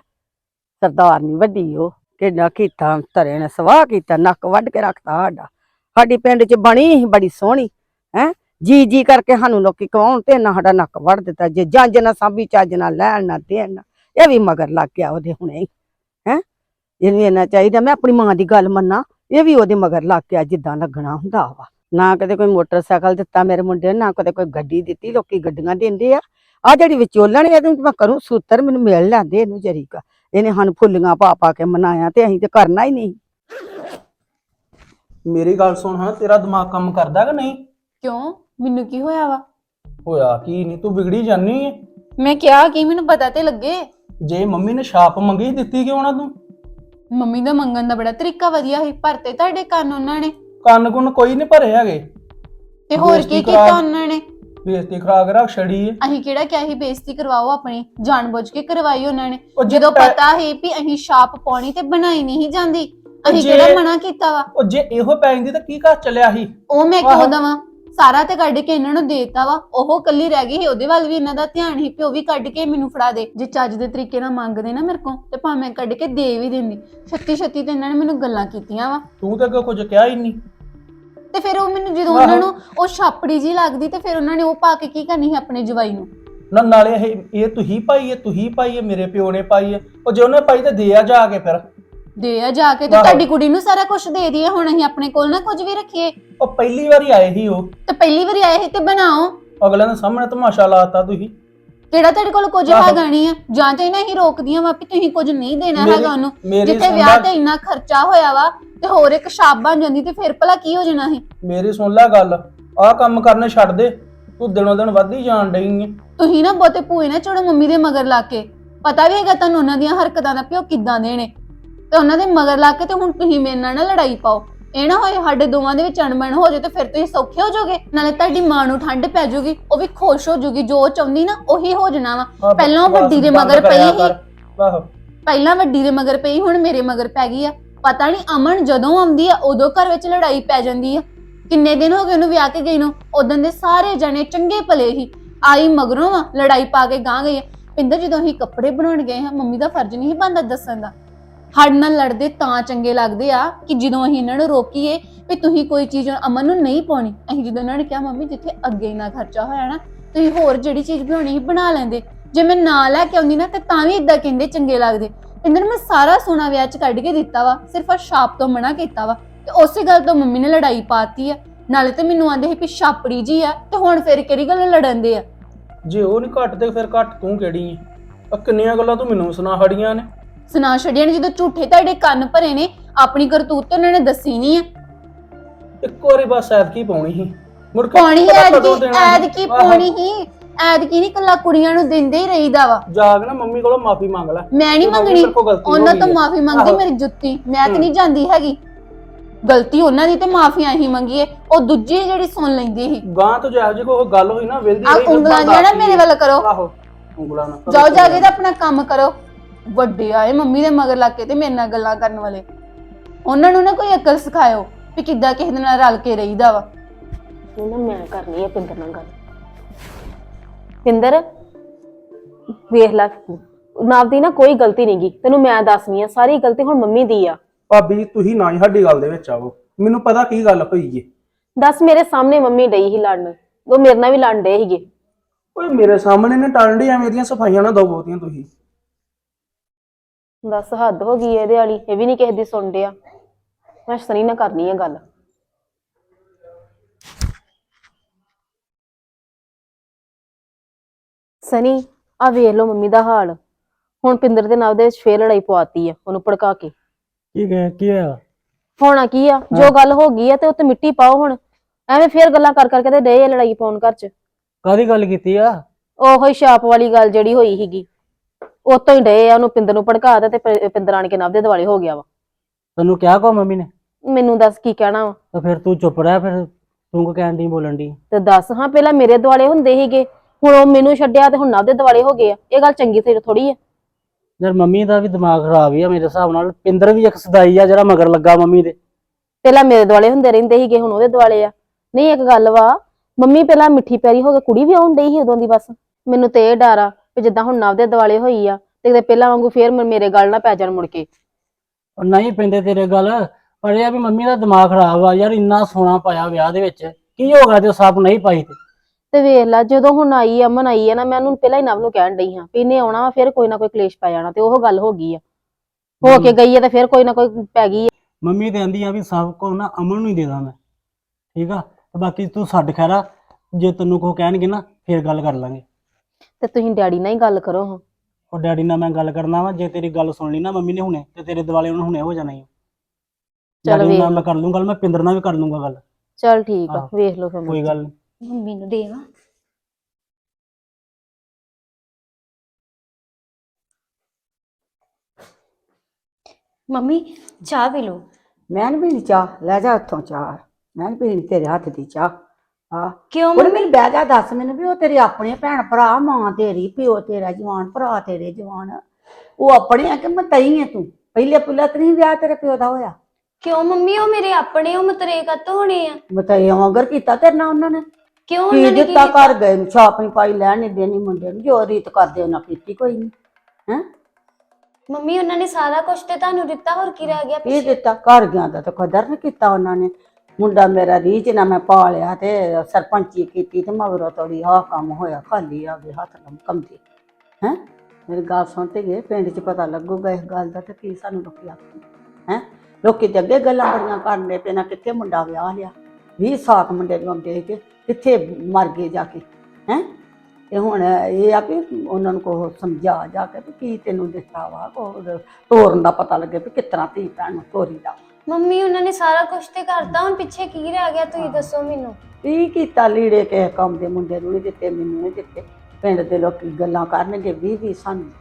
Speaker 3: ਸਰਦਾਰ ਨੀ ਵੱਡੀ ਉਹ, ਕਿੰਨਾ ਕੀਤਾ ਧਰੇ ਨੇ, ਸਵਾਹ ਕੀਤਾ, ਨੱਕ ਵੱਢ ਕੇ ਰੱਖਤਾ ਸਾਡਾ। ਸਾਡੀ ਪਿੰਡ ਚ ਬਣੀ ਸੀ ਬੜੀ ਸੋਹਣੀ, ਹੈ ਜੀ ਜੀ ਕਰਕੇ ਸਾਨੂੰ ਲੋਕੀ ਕਵਾਉਣ ਤੇ ਨਾ ਸਾਡਾ ਨੱਕ ਵੱਢ ਦਿੱਤਾ। ਜੇ ਜੰਜ ਨਾ ਸਾਂਭੀ, ਚੱਜ ਨਾ ਲੈਣ ਨਾ ਦੇਣ ਨਾ, ਇਹ ਵੀ ਮਗਰ ਲੱਗ ਗਿਆ ਉਹਦੇ ਹੁਣੇ ਹੀ। ਹੈ ਇਹਨੂੰ ਇੰਨਾ ਚਾਹੀਦਾ ਮੈਂ ਆਪਣੀ ਮਾਂ ਦੀ ਗੱਲ ਮੰਨਾਂ, ਇਹ ਵੀ ਉਹਦੇ ਮਗਰ ਲੱਗ ਗਿਆ ਜਿੱਦਾਂ ਲੱਗਣਾ ਹੁੰਦਾ ਵਾ। ਨਾ ਕਦੇ ਕੋਈ ਮੋਟਰਸਾਈਕਲ ਦਿੱਤਾ ਮੇਰੇ ਮੁੰਡੇ ਨੂੰ, ਨਾ ਕਦੇ ਕੋਈ ਗੱਡੀ ਦਿੱਤੀ। ਲੋਕੀ ਗੱਡੀਆਂ ਦਿੰਦੇ ਆ, ਆ ਜਿਹੜੀ ਵਿਚੋਲਣ ਇਹਦੇ ਮੈਂ ਕਰੂੰ ਸੂਤਰ, ਮੈਨੂੰ ਮਿਲ ਲੈਂਦੇ ਇਹਨੂੰ ਜਰੀ ਕਾ। ਇਹਨੇ ਸਾਨੂੰ ਫੁੱਲੀਆਂ ਪਾ ਪਾ ਕੇ ਮਨਾਇਆ ਤੇ ਅਸੀਂ ਤੇ ਕਰਨਾ ਹੀ ਨਹੀਂ।
Speaker 2: ਮੇਰੀ ਗੱਲ ਸੁਣ, ਹਾਂ ਤੇਰਾ ਦਿਮਾਗ ਕੰਮ ਕਰਦਾ ਕਿ ਨਹੀਂ?
Speaker 5: ਕਿਉਂ, ਮੈਨੂੰ ਕੀ ਹੋਇਆ ਵਾ?
Speaker 2: ਹੋਇਆ ਕੀ ਨਹੀਂ, ਤੂੰ ਵਿਗੜੀ ਜਾਨੀ ਹੈ।
Speaker 5: ਮੈਂ ਕਿਹਾ ਕਿ ਮੈਨੂੰ ਪਤਾ ਤੇ ਲੱਗੇ।
Speaker 2: ਜੇ ਮੰਮੀ ਨੇ ਛਾਪ ਮੰਗੀ, ਦਿੱਤੀ ਕਿਉਂ ਨਾ ਤੂੰ?
Speaker 5: ਮੰਮੀ ਦਾ ਮੰਗਣ ਦਾ ਬੜਾ ਤਰੀਕਾ ਵਧੀਆ ਸੀ, ਭਰਤੇ ਤੁਹਾਡੇ ਕੰਨ ਉਹਨਾਂ ਨੇ।
Speaker 2: ਕੰਨ ਕੁੰਨ ਕੋਈ ਨਹੀਂ ਭਰੇ ਹੈਗੇ।
Speaker 5: ਤੇ ਹੋਰ ਕੀ ਕੀਤਾ ਉਹਨਾਂ ਨੇ?
Speaker 2: ਬੇਇੱਜ਼ਤੀ ਕਰਾ ਕੇ ਰੱਖ ਛੜੀ ਹੈ।
Speaker 5: ਅਸੀਂ ਕਿਹੜਾ ਕਿਹਾ ਸੀ ਬੇਇੱਜ਼ਤੀ ਕਰਵਾਓ ਆਪਣੀ, ਜਾਣਬੁੱਝ ਕੇ ਕਰਵਾਈ ਉਹਨਾਂ ਨੇ। ਜਦੋਂ ਪਤਾ ਸੀ ਵੀ ਅਸੀਂ ਛਾਪ ਪਾਉਣੀ ਤੇ ਬਣਾਈ ਨਹੀਂ ਜਾਂਦੀ, ਅਸੀਂ ਕਿਹੜਾ ਮਨਾ ਕੀਤਾ ਵਾ?
Speaker 2: ਉਹ ਜੇ ਇਹੋ ਪੈ ਜਾਂਦੀ ਤਾਂ ਕੀ ਘਰ ਚੱਲਿਆ ਸੀ?
Speaker 5: ਉਹ ਮੈਂ ਕਿਉਂ ਦਵਾਂ, ਸਾਰਾ ਤੇ ਕੱਢ ਕੇ ਇਹਨਾਂ ਨੂੰ ਦੇਤਾ ਵਾ। ਉਹ ਕੱਲੀ ਰਹਿ ਗਈ ਸੀ, ਉਹਦੇ ਵੱਲ ਵੀ ਇਹਨਾਂ ਦਾ ਧਿਆਨ ਸੀ ਕਿ ਉਹ ਵੀ ਕੱਢ ਕੇ ਮੈਨੂੰ ਫੜਾ ਦੇ। ਜੇ ਚੱਜ ਦੇ ਤਰੀਕੇ ਨਾਲ ਮੰਗਦੇ ਨਾ ਮੇਰੇ ਕੋਲ, ਤੇ ਭਾਵੇਂ ਕੱਢ ਕੇ ਦੇ ਵੀ ਦਿੰਦੀ। ਛੱਤੀ ਛੱਤੀ ਤੇ ਇਹਨਾਂ ਨੇ ਮੈਨੂੰ ਗੱਲਾਂ ਕੀਤੀਆਂ ਵਾ।
Speaker 2: ਤੂੰ ਤਾਂ ਅੱਗੇ ਕੁਝ ਕਿਹਾ ਹੀ ਨਹੀਂ।
Speaker 5: ਤੇ ਫਿਰ ਉਹ ਮੈਨੂੰ ਜਦੋਂ ਉਹਨਾਂ ਨੂੰ ਉਹ ਛਾਪੜੀ ਜੀ ਲੱਗਦੀ, ਤੇ ਫਿਰ ਉਹਨਾਂ ਨੇ ਉਹ ਪਾ ਕੇ ਕੀ ਕਰਨੀ ਸੀ ਆਪਣੇ ਜਵਾਈ ਨੂੰ?
Speaker 2: ਨਾ ਨਾਲੇ ਇਹ ਇਹ ਤੁਸੀਂ ਪਾਈ ਹੈ, ਤੁਸੀਂ ਪਾਈ ਹੈ, ਮੇਰੇ ਪਿਓ ਨੇ ਪਾਈ ਹੈ। ਉਹ ਜੇ ਉਹਨੇ ਪਾਈ ਤਾਂ ਦੇ ਆ ਜਾ ਕੇ, ਫਿਰ
Speaker 5: ਦੇ ਆ ਜਾ ਕੇ। ਤੇ ਤੁਹਾਡੀ ਕੁੜੀ ਨੂੰ ਸਾਰਾ ਕੁਝ ਦੇ ਦਈਏ, ਹੁਣ ਅਸੀਂ ਆਪਣੇ ਕੋਲ ਨਾ ਕੁਝ ਵੀ ਰੱਖੀਏ।
Speaker 2: ਉਹ ਪਹਿਲੀ ਵਾਰੀ ਆਏ ਸੀ ਉਹ,
Speaker 5: ਤੇ ਪਹਿਲੀ ਵਾਰੀ ਆਏ ਸੀ ਤੇ ਬਣਾਓ।
Speaker 2: ਅਗਲੇ ਦੇ ਸਾਹਮਣੇ ਤਮਾਸ਼ਾ ਲਾਤਾ ਤੁਸੀਂ।
Speaker 5: ਕਿਹੜਾ ਤੁਹਾਡੇ ਕੋਲ ਕੁਝ ਹੈਗਾ ਨਹੀਂ ਆ? ਜਾਂ ਤੇ ਇਹਨਾਂ ਹੀ ਰੋਕਦੀਆਂ ਵਾ ਵੀ ਤੁਸੀਂ ਕੁਝ ਨਹੀਂ ਦੇਣਾ ਹੈਗਾ ਉਹਨੂੰ। ਜਿੱਥੇ ਵਿਆਹ ਤੇ ਇੰਨਾ ਖਰਚਾ ਹੋਇਆ ਵਾ, ਤੇ ਹੋਰ ਇੱਕ ਛਾਪ ਬਣ ਜਾਂਦੀ ਤੇ ਫਿਰ ਭਲਾ ਕੀ ਹੋ ਜਾਣਾ ਸੀ? ਮੇਰੀ
Speaker 2: ਸੁਣ ਲੈ ਗੱਲ, ਆਹ ਕੰਮ ਕਰਨੇ ਛੱਡ ਦੇ, ਤੂੰ ਦਿਨੋਂ ਦਿਨ ਵੱਧਦੀ ਜਾਣ ਡਈ ਹੈ।
Speaker 5: ਤੁਸੀਂ ਨਾ ਬਹੁਤੇ ਭੂਏ ਨਾ ਚੜੋ ਮੰਮੀ ਦੇ ਮਗਰ ਲਾ ਕੇ। ਪਤਾ ਵੀ ਹੈਗਾ ਤੁਹਾਨੂੰ ਉਹਨਾਂ ਦੀਆਂ ਹਰਕਤਾਂ ਦਾ, ਪਿਓ ਕਿੱਦਾਂ ਦੇ ਨੇ, ਤੇ ਉਹਨਾਂ ਦੇ ਮਗਰ ਲਾ ਕੇ ਤੇ ਹੁਣ ਤੁਸੀਂ ਮੇਰੇ ਨਾਲ ਨਾ ਲੜਾਈ ਪਾਓ। ਇਹ ਨਾ ਹੋਏ ਸਾਡੇ ਦੋਵਾਂ ਦੇ ਵਿੱਚ ਅਣਬਣ ਹੋ ਜਾਏ ਤੇ ਫਿਰ ਤੁਸੀਂ ਸੌਖੇ ਹੋ ਜਾਓਗੇ। ਨਾਲੇ ਤੁਹਾਡੀ ਮਾਂ ਨੂੰ ਠੰਡ ਪੈ ਜਾਊਗੀ, ਉਹ ਵੀ ਖੁਸ਼ ਹੋ ਜਾਊਗੀ। ਜੋ ਚਾਹੁੰਦੀ ਨਾ ਉਹੀ ਹੋ ਜਾਣਾ ਵਾ। ਪਹਿਲਾਂ ਵੱਡੀ ਦੇ ਮਗਰ ਪਈ ਸੀ, ਪਹਿਲਾਂ ਵੱਡੀ ਦੇ ਮਗਰ ਪਈ, ਹੁਣ ਮੇਰੇ ਮਗਰ ਪੈ ਗਈ ਆ। ਪਤਾ ਨਹੀਂ ਅਮਨ ਜਦੋਂ ਆਉਂਦੀ ਆ ਉਦੋਂ ਘਰ ਵਿੱਚ ਲੜਾਈ ਪੈ ਜਾਂਦੀ ਆ। ਕਿੰਨੇ ਦਿਨ ਹੋ ਗਏ ਉਹਨੂੰ ਵਿਆਹ ਕੇ ਗਈ ਨੂੰ, ਉਦੋਂ ਦੇ ਸਾਰੇ ਜਣੇ ਚੰਗੇ ਭਲੇ ਹੀ, ਆਈ ਮਗਰੋਂ ਆ ਲੜਾਈ ਪਾ ਕੇ ਗਾਂ ਗਈ ਆ। ਪਿੰਦਰ ਜਦੋਂ ਅਸੀਂ ਕੱਪੜੇ ਬਣਾਉਣ ਗਏ ਹਾਂ, ਮੰਮੀ ਦਾ ਫਰਜ਼ ਨਹੀਂ ਬਣਦਾ ਦੱਸਣ ਦਾ। ਸਾਡੇ ਨਾਲ ਲੜਦੇ ਤਾਂ ਚੰਗੇ ਲੱਗਦੇ ਆ ਕਿ ਜਦੋਂ ਅਸੀਂ ਇਹਨਾਂ ਨੂੰ ਰੋਕੀਏ ਵੀ ਤੁਸੀਂ ਕੋਈ ਚੀਜ਼ ਅਮਨ ਨੂੰ ਨਹੀਂ ਪਾਉਣੀ। ਅਸੀਂ ਜਦੋਂ ਉਹਨਾਂ ਨੇ ਕਿਹਾ ਮੰਮੀ ਜਿੱਥੇ ਅੱਗੇ ਨਾ ਖਰਚਾ ਹੋਇਆ ਨਾ, ਤੁਸੀਂ ਹੋਰ ਜਿਹੜੀ ਚੀਜ਼ ਬਣਾਉਣੀ ਸੀ ਬਣਾ ਲੈਂਦੇ। ਜੇ ਮੈਂ ਨਾ ਲੈ ਕੇ ਆਉਂਦੀ ਨਾ ਤੇ ਤਾਂ ਵੀ ਇਦਾਂ ਕਹਿੰਦੇ ਚੰਗੇ ਲੱਗਦੇ। ਇਹਨਾਂ ਨੂੰ ਮੈਂ ਸਾਰਾ ਸੋਨਾ ਵਿਆਹ ਚ ਕੱਢ ਕੇ ਦਿੱਤਾ ਵਾ, ਸਿਰਫ ਆ ਛਾਪ ਤੋਂ ਮਨਾ ਕੀਤਾ ਵਾ। ਤੇ ਉਸੇ ਗੱਲ ਤੋਂ ਮੰਮੀ ਨੇ ਲੜਾਈ ਪਾਤੀ ਆ। ਨਾਲੇ ਤੇ ਮੈਨੂੰ ਆਂਦੇ ਸੀ ਵੀ ਛਾਪੜੀ ਜੀ ਆ, ਤੇ ਹੁਣ ਫਿਰ ਕਿਹੜੀ ਗੱਲ ਲੜਨ ਦੇ ਆ?
Speaker 2: ਜੇ ਉਹ ਨਹੀਂ ਘੱਟ ਤੇ ਫਿਰ ਘੱਟ ਤੂੰ ਕਿਹੜੀ ਹੈ? ਆ ਕਿੰਨੀਆਂ ਗੱਲਾਂ ਤੂੰ ਮੈਨੂੰ ਸੁਣਾ ਹੜੀਆਂ ਨੇ।
Speaker 5: ਸੁਣਾ ਛੱਡੀਆਂ ਨੇ, ਜਦੋਂ ਝੂਠੇ ਤੁਹਾਡੇ ਕੰਨ ਭਰੇ ਨੇ, ਆਪਣੀ ਕਰਤੂਤ ਤੇ ਉਹਨਾਂ ਨੇ ਦੱਸੀ ਨਹੀਂ ਆ।
Speaker 2: ਇੱਕ ਵਾਰੀ ਬਸ ਐਤਕੀ ਪਾਉਣੀ ਸੀ, ਮੁੜ ਕੇ
Speaker 5: ਪਾਉਣੀ
Speaker 2: ਪਤਾ
Speaker 5: ਐਦ
Speaker 2: ਕਦੋਂ
Speaker 5: ਕੀ
Speaker 2: ਦੇਣਾ
Speaker 5: ਐਦ
Speaker 2: ਸੀ।
Speaker 5: ਕੀ
Speaker 2: ਆਹੋ।
Speaker 5: ਪਾਉਣੀ ਹੀ ਐਦ ਕੀ ਨਹੀਂ, ਕੱਲਾ ਕੁੜੀਆਂ ਨੂੰ ਦਿੰਦੇ ਹੀ ਰਹੀਦਾ ਵਾ।
Speaker 2: ਜਾ ਕੇ ਨਾ ਮੰਮੀ ਕੋਲੋਂ ਮਾਫੀ ਮੰਗ ਲੈ।
Speaker 5: ਮੈਂ ਨਹੀਂ
Speaker 2: ਕਿ ਮੰਮੀ
Speaker 5: ਮੰਗਣੀ,
Speaker 2: ਮੇਰੇ ਕੋਲ ਗਲਤੀ ਹੋ
Speaker 5: ਉਹਨਾਂ
Speaker 2: ਗਈ
Speaker 5: ਤੋਂ
Speaker 2: ਹੈ।
Speaker 5: ਮਾਫੀ ਮੰਗਦੀ
Speaker 2: ਆਹੋ।
Speaker 5: ਮੇਰੀ ਜੁੱਤੀ, ਮੈਂ ਤੇ ਨਹੀਂ ਜਾਂਦੀ ਹੈਗੀ। ਗਲਤੀ ਉਹਨਾਂ ਦੀ ਤੇ ਮਾਫੀਆਂ ਹੀ ਮੰਗੀਏ, ਉਹ ਦੂਜੀ ਜਿਹੜੀ ਸੁਣ ਲੈਂਦੀ ਸੀ।
Speaker 2: ਗਾਂ ਤੋਂ ਜਿਹੋ ਜਿਹੀ ਕੋਈ ਗੱਲ ਹੋਈ ਨਾ ਵਿਲਦੀ
Speaker 5: ਆ
Speaker 2: ਰਹੀ, ਫਿਰ
Speaker 5: ਉਂਗਲਾਂ
Speaker 2: ਬੰਦਾ
Speaker 5: ਦੀਆਂ ਨਾ
Speaker 2: ਆਪ ਹੀ-
Speaker 5: ਮੇਰੇ ਵੱਲ ਕਰੋ।
Speaker 2: ਆਹੋ ਉਂਗਲਾਂ ਨਾਲ
Speaker 5: ਜਾਓ ਜਾ ਕੇ ਤੇ ਆਪਣਾ ਕੰਮ ਕਰੋ। ਵੱਡੇ ਆਏ ਮੰਮੀ ਦੇ ਮਗਰ ਲੱਗ ਕੇ ਤੇ ਮੇਰੇ ਨਾਲ ਗੱਲਾਂ ਕਰਨ ਵਾਲੇ, ਉਹਨਾਂ ਨੂੰ ਨਾ ਕੋਈ ਅਕਲ ਸਿਖਾਇਓ ਵੀ ਕਿੱਦਾਂ ਕਿਸੇ ਦੇ ਨਾਲ ਰਲ ਕੇ ਰਹੀਦਾ ਵਾ।
Speaker 1: ਨਾ ਮੈਂ ਕਰਨੀ ਹੈ ਪਿੰਦਰ ਨਾਲ ਗੱਲ। ਪਿੰਦਰ ਵੇਖ ਲੈ, ਨਾਵ ਦੀ ਨਾ ਕੋਈ ਗਲਤੀ ਨਹੀਂ ਗਈ, ਤੈਨੂੰ ਮੈਂ ਦੱਸਣੀ ਆ, ਸਾਰੀ ਗਲਤੀ ਹੁਣ ਮੰਮੀ ਦੀ ਆ।
Speaker 2: ਭਾਬੀ ਤੁਸੀਂ ਨਾ ਹੀ ਸਾਡੀ ਗੱਲ ਦੇ ਵਿੱਚ ਆਵੋ, ਮੈਨੂੰ ਪਤਾ ਕੀ ਗੱਲ ਹੋਈ ਏ।
Speaker 1: ਦੱਸ, ਮੇਰੇ ਸਾਹਮਣੇ ਮੰਮੀ ਡਈ ਸੀ ਲੜਨ, ਉਹ ਮੇਰੇ ਨਾਲ ਵੀ ਲੜਨ ਡੇ ਸੀਗੇ।
Speaker 2: ਓਏ ਮੇਰੇ ਸਾਹਮਣੇ ਨੇ ਟਾਲਣ ਡਈ, ਐਵੇਂ ਇਹਦੀਆਂ ਸਫਾਈਆਂ ਨਾ ਦੋ ਬਹੁਤੀਆਂ ਤੁਸੀਂ।
Speaker 1: ਦੱਸ ਹੱਦ ਹੋ ਗਈ ਇਹਦੇ ਵਾਲੀ, ਇਹ ਵੀ ਨਹੀਂ ਕਿਸੇ ਦੀ ਸੁਣ ਡਿਆ। ਮੈਂ ਸਨੀ ਨਾਲ ਕਰਨੀ ਆ ਗੱਲ। ਸਨੀ, ਆ ਵੇਖ ਲਓ ਮੰਮੀ ਦਾ ਹਾਲ। ਹੁਣ ਪਿੰਦਰ ਦੇ ਨਾਲ ਦੇ ਵਿੱਚ ਫੇਰ ਲੜਾਈ ਪਵਾਤੀ ਆ, ਉਹਨੂੰ ਭੜਕਾ ਕੇ।
Speaker 6: ਕੀ ਕਹਿ ਕੀ ਹੋਇਆ?
Speaker 1: ਹੋਣਾ ਕੀ ਆ, ਜੋ ਗੱਲ ਹੋ ਗਈ ਆ ਤੇ ਉੱਤੇ ਮਿੱਟੀ ਪਾਓ ਹੁਣ। ਐਵੇਂ ਫੇਰ ਗੱਲਾਂ ਕਰ ਕਰਕੇ ਤੇ ਡੇ ਲੜਾਈ ਪਾਉਣ ਘਰ ਚ।
Speaker 6: ਕਾਹਦੀ ਗੱਲ ਕੀਤੀ ਆ?
Speaker 1: ਉਹੋ ਹੀ ਛਾਪ ਵਾਲੀ ਗੱਲ ਜਿਹੜੀ ਹੋਈ ਸੀਗੀ, ਉਤੋਂ ਹੀ ਡੇ ਆ ਉਹਨੂੰ ਪਿੰਦਰ ਨੂੰ ਭੜਕਾ ਦੇ, ਤੇ ਪ- ਪਿੰਦਰ ਆਣ ਕੇ ਨਵ ਦੇ ਦੁਆਲੇ ਹੋ ਗਿਆ ਵਾ।
Speaker 6: ਤੈਨੂੰ ਕਿਹਾ ਕੋ ਮੰਮੀ ਨੇ?
Speaker 1: ਮੈਨੂੰ ਦੱਸ ਕੀ ਕਹਿਣਾ ਵਾ?
Speaker 6: ਤਾਂ ਫਿਰ ਤੂੰ ਚੁੱਪ ਰਹਿ, ਫਿਰ ਤੂੰ ਕੋ ਕਹਿਣ ਦੀ ਬੋਲਣ ਦੀ?
Speaker 1: ਤੇ ਦੱਸ ਹਾਂ, ਪਹਿਲਾਂ ਮੇਰੇ ਦੁਆਲੇ ਹੁੰਦੇ ਸੀਗੇ, ਹੁਣ ਉਹ ਮੈਨੂੰ ਛੱਡਿਆ ਤੇ ਹੁਣ ਨਵ ਦੇ ਦੁਆਲੇ ਹੋ ਗਏ ਆ। ਇਹ ਗੱਲ ਚੰਗੀ ਤੇ ਥੋੜੀ ਆ।
Speaker 6: ਯਾਰ ਮੰਮੀ ਦਾ ਵੀ ਦਿਮਾਗ ਖਰਾਬ ਹੀ ਆ ਮੇਰੇ ਹਿਸਾਬ ਨਾਲ। ਪਿੰਦਰ ਵੀ ਇੱਕ ਸਦਾਈ ਆ ਜਿਹੜਾ ਮਗਰ ਲੱਗਾ ਮੰਮੀ ਦੇ।
Speaker 1: ਪਹਿਲਾਂ ਮੇਰੇ ਦੁਆਲੇ ਹੁੰਦੇ ਰਹਿੰਦੇ ਸੀਗੇ, ਹੁਣ ਉਹਦੇ ਦੁਆਲੇ ਆ। ਨਹੀਂ, ਇੱਕ ਗੱਲ ਵਾ, ਮੰਮੀ ਪਹਿਲਾਂ ਮਿੱਠੀ ਪੈਰੀ ਹੋ ਕੇ ਕੁੜੀ ਵੀ ਆਉਣ ਡਈ ਸੀ ਉਦੋਂ ਦੀ। ਬਸ ਮੈਨੂੰ ਤੇ ਇਹ ਡਰ ਆ ਵੀ ਜਿੱਦਾਂ ਹੁਣ ਨਵ ਦੇ ਦੁਆਲੇ ਹੋਈ ਆ ਤੇ ਕਿਤੇ ਪਹਿਲਾਂ ਵਾਂਗੂ ਫੇਰ ਮ- ਮੇਰੇ ਗੱਲ ਨਾ ਪੈ ਜਾਣ ਮੁੜ ਕੇ।
Speaker 6: ਉਹ ਨਹੀਂ ਪੈਂਦੇ ਤੇਰੇ ਗੱਲ, ਪਰ ਇਹ ਆ ਵੀ ਮੰਮੀ ਦਾ ਦਿਮਾਗ ਖਰਾਬ ਆ ਯਾਰ। ਇੰਨਾ ਸੋਨਾ ਪਾਇਆ ਵਿਆਹ ਦੇ ਵਿੱਚ, ਕੀ ਹੋ ਗਿਆ ਜੇ ਸੱਪ ਨਹੀਂ ਪਾਈ ਤੇ?
Speaker 1: ਤੇ ਵੇਖ ਲਾ, ਜਦੋਂ ਹੁਣ ਆਈ ਅਮਨ ਆਈ ਆ ਨਾ, ਮੈਂ ਉਹਨੂੰ ਪਹਿਲਾਂ ਹੀ ਨਵ ਨੂੰ ਕਹਿਣ ਡਈ ਹਾਂ ਵੀ ਇਹਨੇ ਆਉਣਾ ਵਾ, ਫਿਰ ਕੋਈ ਨਾ ਕੋਈ ਕਲੇਸ਼ ਪੈ ਜਾਣਾ। ਤੇ ਉਹ ਗੱਲ ਹੋ ਗਈ ਆ, ਹੋ ਕੇ ਗਈ ਆ ਤੇ ਫਿਰ ਕੋਈ ਨਾ ਕੋਈ ਪੈ ਗਈ ਆ।
Speaker 6: ਮੰਮੀ ਤੇ ਆਂਦੀ ਆ ਵੀ ਸਭ ਕੋ ਨਾ ਅਮਨ ਨੂੰ ਹੀ ਦੇ ਦਾਂ ਮੈਂ, ਠੀਕ ਆ? ਤੇ ਬਾਕੀ ਤੂੰ ਛੱਡ ਖੈਰਾ, ਜੇ ਤੈਨੂੰ ਕੋ ਕਹਿਣਗੇ ਨਾ ਫੇਰ ਗੱਲ ਕਰ ਲਾਂਗੇ।
Speaker 1: ਤੇ ਤੁਸੀਂ ਡੈਡੀ ਨਾਲ ਹੀ ਗੱਲ ਕਰੋ ਹਾਂ।
Speaker 6: ਉਹ ਡੈਡੀ ਨਾਲ ਮੈਂ ਗੱਲ ਕਰਨਾ ਵਾ, ਜੇ ਤੇਰੀ ਗੱਲ ਸੁਣ ਲਈ ਨਾ ਮੰਮੀ ਨੇ ਹੁਣੇ, ਤੇ ਤੇਰੇ ਦਿਵਾਲੇ ਉਹਨੂੰ ਹੁਣੇ ਹੋ ਜਾਣਾ ਹੀ।
Speaker 1: ਚੱਲ
Speaker 6: ਡੈਡੀ
Speaker 1: ਵੇਖ
Speaker 6: ਨਾਲ ਮੈਂ
Speaker 1: ਲਓ।
Speaker 6: ਕਰ ਲੂੰ ਗੱਲ, ਮੈਂ ਪਿੰਦਰ ਨਾਲ ਵੀ ਕਰ ਲੂੰਗਾ ਗੱਲ।
Speaker 1: ਚੱਲ ਠੀਕ ਆ,
Speaker 6: ਆਹੋ।
Speaker 1: ਵੇਖ ਲਓ ਫਿਰ।
Speaker 6: ਕੋਈ ਗੱਲ ਨੀ।
Speaker 5: ਮੰਮੀ ਨੂੰ ਦੇਵਾ।
Speaker 7: ਮੰਮੀ ਚਾਹ ਪੀ ਲਓ।
Speaker 3: ਮੈਂ ਨੀ ਪੀਣੀ ਚਾਹ, ਲੈ ਜਾ ਉੱਥੋਂ ਚਾਹ। ਮੈਂ ਨੀ ਪੀਣੀ ਤੇਰੇ ਹੱਥ ਦੀ ਚਾਹ। ਆ
Speaker 7: ਕਿਉਂ
Speaker 3: ਉਹਨੇ
Speaker 7: ਮੰਮੀ?
Speaker 3: ਮੈਨੂੰ ਬਹਿ ਜਾ, ਦੱਸ ਮੈਨੂੰ ਵੀ ਉਹ ਤੇਰੇ ਆਪਣੇ ਭੈਣ ਭਰਾ, ਮਾਂ ਤੇਰੀ, ਪਿਓ ਤੇਰਾ ਜਵਾਨ, ਭਰਾ ਤੇਰੇ ਜਵਾਨ, ਉਹ ਆਪਣੇ ਆ ਕਿ ਮਤਈ ਹੈ ਤੂੰ? ਪਹਿਲੇ ਪੁੱਲਾ ਤੇ ਨਹੀਂ ਵਿਆਹ ਤੇਰੇ ਪਿਓ ਦਾ ਹੋਇਆ?
Speaker 7: ਕਿਉਂ ਮੰਮੀ? ਉਹ ਮੇਰੇ ਆਪਣੇ, ਉਹ ਮਤਰੇ ਕੱਤ ਹੋਣੇ ਆ।
Speaker 3: ਮਤਈ ਵਾਂਗਰ ਕੀਤਾ ਤੇਰੇ ਨਾਲ ਉਹਨਾਂ ਨੇ।
Speaker 7: ਕਿਉਂ
Speaker 3: ਕੀ
Speaker 7: ਉਹਨਾਂ ਨੇ ਕੀ
Speaker 3: ਦਿੱਤਾ
Speaker 7: ਕੀਤਾ?
Speaker 3: ਘਰ ਗਏ ਨੂੰ, ਛਾਪ ਨਹੀਂ ਪਾਈ, ਲੈਣ ਨਹੀਂ ਦੇਣੀ ਮੁੰਡੇ ਨੂੰ, ਜੋ ਰੀਤ ਕਰਦੇ ਉਹਨਾਂ ਕੀਤੀ ਕੋਈ ਨਹੀਂ। ਹੈ
Speaker 7: ਮੰਮੀ ਉਹਨਾਂ ਨੇ ਸਾਰਾ ਕੁਝ ਤੇ ਤੁਹਾਨੂੰ ਦਿੱਤਾ, ਹੋਰ ਕੀ ਰਹਿ ਗਿਆ
Speaker 3: ਕੀ
Speaker 7: ਪਿੱਛੇ?
Speaker 3: ਦਿੱਤਾ? ਘਰ ਗਿਆ ਦਾ ਤਾਂ ਕਦਰ ਨਹੀਂ ਕੀਤਾ ਉਹਨਾਂ ਨੇ। ਮੁੰਡਾ ਮੇਰਾ ਰੀਝ ਨਾ ਮੈਂ ਪਾਲਿਆ ਤੇ ਸਰਪੰਚੀ ਕੀਤੀ ਤੇ ਮਗਰੋਂ ਤੋੜੀ ਆਹ ਕੰਮ ਹੋਇਆ, ਖਾਲੀ ਆ ਗਏ ਹੱਥ ਕੰਮਦੇ। ਹੈ ਮੇਰੀ ਗੱਲ ਸੁਣ ਤੇ ਗਏ, ਪਿੰਡ 'ਚ ਪਤਾ ਲੱਗੂਗਾ ਇਸ ਗੱਲ ਦਾ ਤੇ ਕੀ ਸਾਨੂੰ ਲੋਕੀ ਆਖਣ। ਹੈ ਲੋਕੀ ਤੇ ਅੱਗੇ ਗੱਲਾਂ ਬੜੀਆਂ ਕਰਨੇ ਪਏ ਨਾ, ਕਿੱਥੇ ਮੁੰਡਾ ਵਿਆਹ ਲਿਆ, ਵੀਹ ਸਾਕ ਮੁੰਡੇ ਨੂੰ ਦੇ ਕੇ ਕਿੱਥੇ ਮਰ ਗਏ ਜਾ ਕੇ। ਹੈ ਤੇ ਹੁਣ ਇਹ ਆ ਵੀ ਉਹਨਾਂ ਨੂੰ ਕੋ ਸਮਝਾ ਜਾ ਕੇ ਵੀ ਕੀ ਤੈਨੂੰ ਦਿੱਤਾ ਵਾ, ਕੋ ਤੋਰਨ ਦਾ ਪਤਾ ਲੱਗੇ ਵੀ ਕਿਸ ਤਰ੍ਹਾਂ ਧੀ ਭੈਣ ਨੂੰ ਤੋਰੀ ਦਾ।
Speaker 7: ਮੰਮੀ ਉਹਨਾਂ ਨੇ ਸਾਰਾ ਕੁਝ ਤੇ ਕਰਤਾ, ਹੁਣ ਪਿੱਛੇ ਕੀ ਰਹਿ ਗਿਆ ਤੁਸੀਂ ਦੱਸੋ ਮੈਨੂੰ।
Speaker 3: ਕੀ ਕੀਤਾ? ਲੀੜੇ ਕਿਸੇ ਕੰਮ ਦੇ ਮੁੰਡੇ ਨੂੰ ਨਹੀਂ ਦਿੱਤੇ, ਮੈਨੂੰ ਨਹੀਂ ਦਿੱਤੇ। ਪਿੰਡ ਦੇ ਲੋਕੀ ਗੱਲਾਂ ਕਰਨਗੇ ਵੀਹ ਵੀਹ ਸਾਨੂੰ।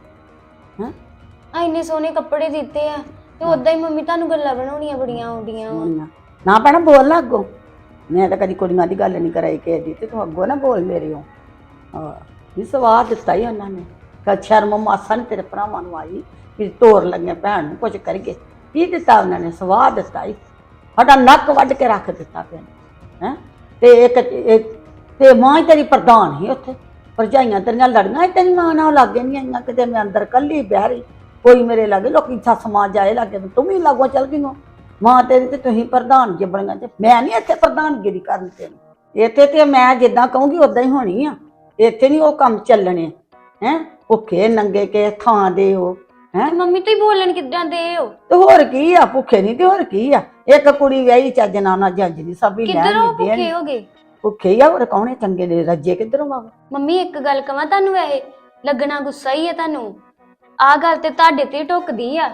Speaker 3: ਹੈ
Speaker 7: ਆ ਇੰਨੇ ਸੋਹਣੇ ਕੱਪੜੇ ਦਿੱਤੇ ਆ ਤੇ ਉਦਾਂ ਹੀ ਮੰਮੀ ਤੁਹਾਨੂੰ ਗੱਲਾਂ ਬਣਾਉਣੀਆਂ ਬੜੀਆਂ ਆਉਂਦੀਆਂ ਵਾ।
Speaker 3: ਨਾ ਨਾ ਭੈਣਾ ਬੋਲ ਨਾ ਅੱਗੋਂ, ਮੈਂ ਤਾਂ ਕਦੀ ਕੁੜੀਆਂ ਦੀ ਗੱਲ ਨਹੀਂ ਕਰਾਈ ਕਿਸੇ ਦੀ, ਤੇ ਤੂੰ ਅੱਗੋਂ ਨਾ ਬੋਲ ਮੇਰੇ ਹੋ। ਹਾਂ ਵੀ ਸਵਾਦ ਦਿੱਤਾ ਹੀ ਉਹਨਾਂ ਨੇ, ਕਿ ਸ਼ਰਮ ਮਾਸਾ ਨਹੀਂ ਤੇਰੇ ਭਰਾਵਾਂ ਨੂੰ ਆਈ ਵੀ ਤੋਰ ਲੱਗੀਆਂ ਭੈਣ ਨੂੰ ਕੁਝ ਕਰੀਏ। ਕੀ ਦਿੱਤਾ ਉਹਨਾਂ ਨੇ? ਸਵਾਦ ਦਿੱਤਾ ਹੀ, ਸਾਡਾ ਨੱਕ ਵੱਢ ਕੇ ਰੱਖ ਦਿੱਤਾ ਪਿਆ। ਹੈ ਤੇ ਇੱਕ ਇੱਕ ਤੇ ਮਾਂ ਹੀ ਤੇਰੀ ਪ੍ਰਧਾਨ ਸੀ ਉੱਥੇ, ਭਰਜਾਈਆਂ ਤੇਰੀਆਂ ਲੜੀਆਂ ਸੀ ਤੇਰੀ ਮਾਂ ਨਾਲ, ਲਾਗੇ ਨਹੀਂ ਆਈਆਂ ਕਿਤੇ। ਮੈਂ ਅੰਦਰ ਕੱਲੀ ਬਹਿ ਰਹੀ, ਕੋਈ ਮੇਰੇ ਲਾਗੇ, ਲੋਕੀ ਸੱਸ ਮਾਂ ਜਾਏ ਲਾਗੇ, ਤੂੰ ਵੀ ਲਾਗੋਂ ਚੱਲ ਗਈ ਹੋ। ਮਾਂ ਤੇਰੀ ਤੇ ਤੁਸੀਂ ਪ੍ਰਧਾਨ ਜੇ ਬਣੀਆਂ, ਤੇ ਮੈਂ ਨਹੀਂ ਇੱਥੇ ਪ੍ਰਧਾਨਗਿਰੀ ਕਰਨੀ ਤੈਨੂੰ। ਇੱਥੇ ਤੇ ਮੈਂ ਜਿੱਦਾਂ ਕਹੂੰਗੀ ਉਦਾਂ ਹੀ ਹੋਣੀ ਆ, ਇੱਥੇ ਨਹੀਂ ਉਹ ਕੰਮ ਚੱਲਣੇ। ਹੈ ਭੁੱਖੇ ਨੰਗੇ ਕੇ ਥਾਂ ਦੇ ਉਹ। ਹੈ
Speaker 7: ਮੰਮੀ ਤੁਸੀਂ ਬੋਲਣ ਕਿੱਦਾਂ ਦੇ ਹੋ?
Speaker 3: ਤੇ ਹੋਰ ਕੀ ਆ, ਭੁੱਖੇ ਨਹੀਂ ਤੇ ਹੋਰ ਕੀ ਆ। ਇੱਕ ਕੁੜੀ ਵਿਆਹੀ ਚੱਜ ਨਾਲ ਨਾ ਜੱਜ ਦੀ ਸਭ ਹੀ ਲੈਣ
Speaker 7: ਕਿੱਧਰੋਂ
Speaker 3: ਨਹੀਂ
Speaker 7: ਭੁੱਖੇ
Speaker 3: ਦੇਣ
Speaker 7: ਹੋ ਗਏ?
Speaker 3: ਭੁੱਖੇ ਹੀ ਆ ਹੋਰ ਕੌਣੇ ਚੰਗੇ ਨੇ ਰੱਜੇ ਕਿੱਧਰੋਂ ਆਵਾ।
Speaker 7: ਮੰਮੀ ਇੱਕ ਗੱਲ ਕਵਾਂ ਤੁਹਾਨੂੰ, ਵੈਸੇ ਲੱਗਣਾ ਗੁੱਸਾ ਹੀ ਹੈ ਤੁਹਾਨੂੰ। ਆਹ ਗੱਲ ਤੇ ਤੁਹਾਡੇ ਤੇ ਢੁੱਕਦੀ ਆ।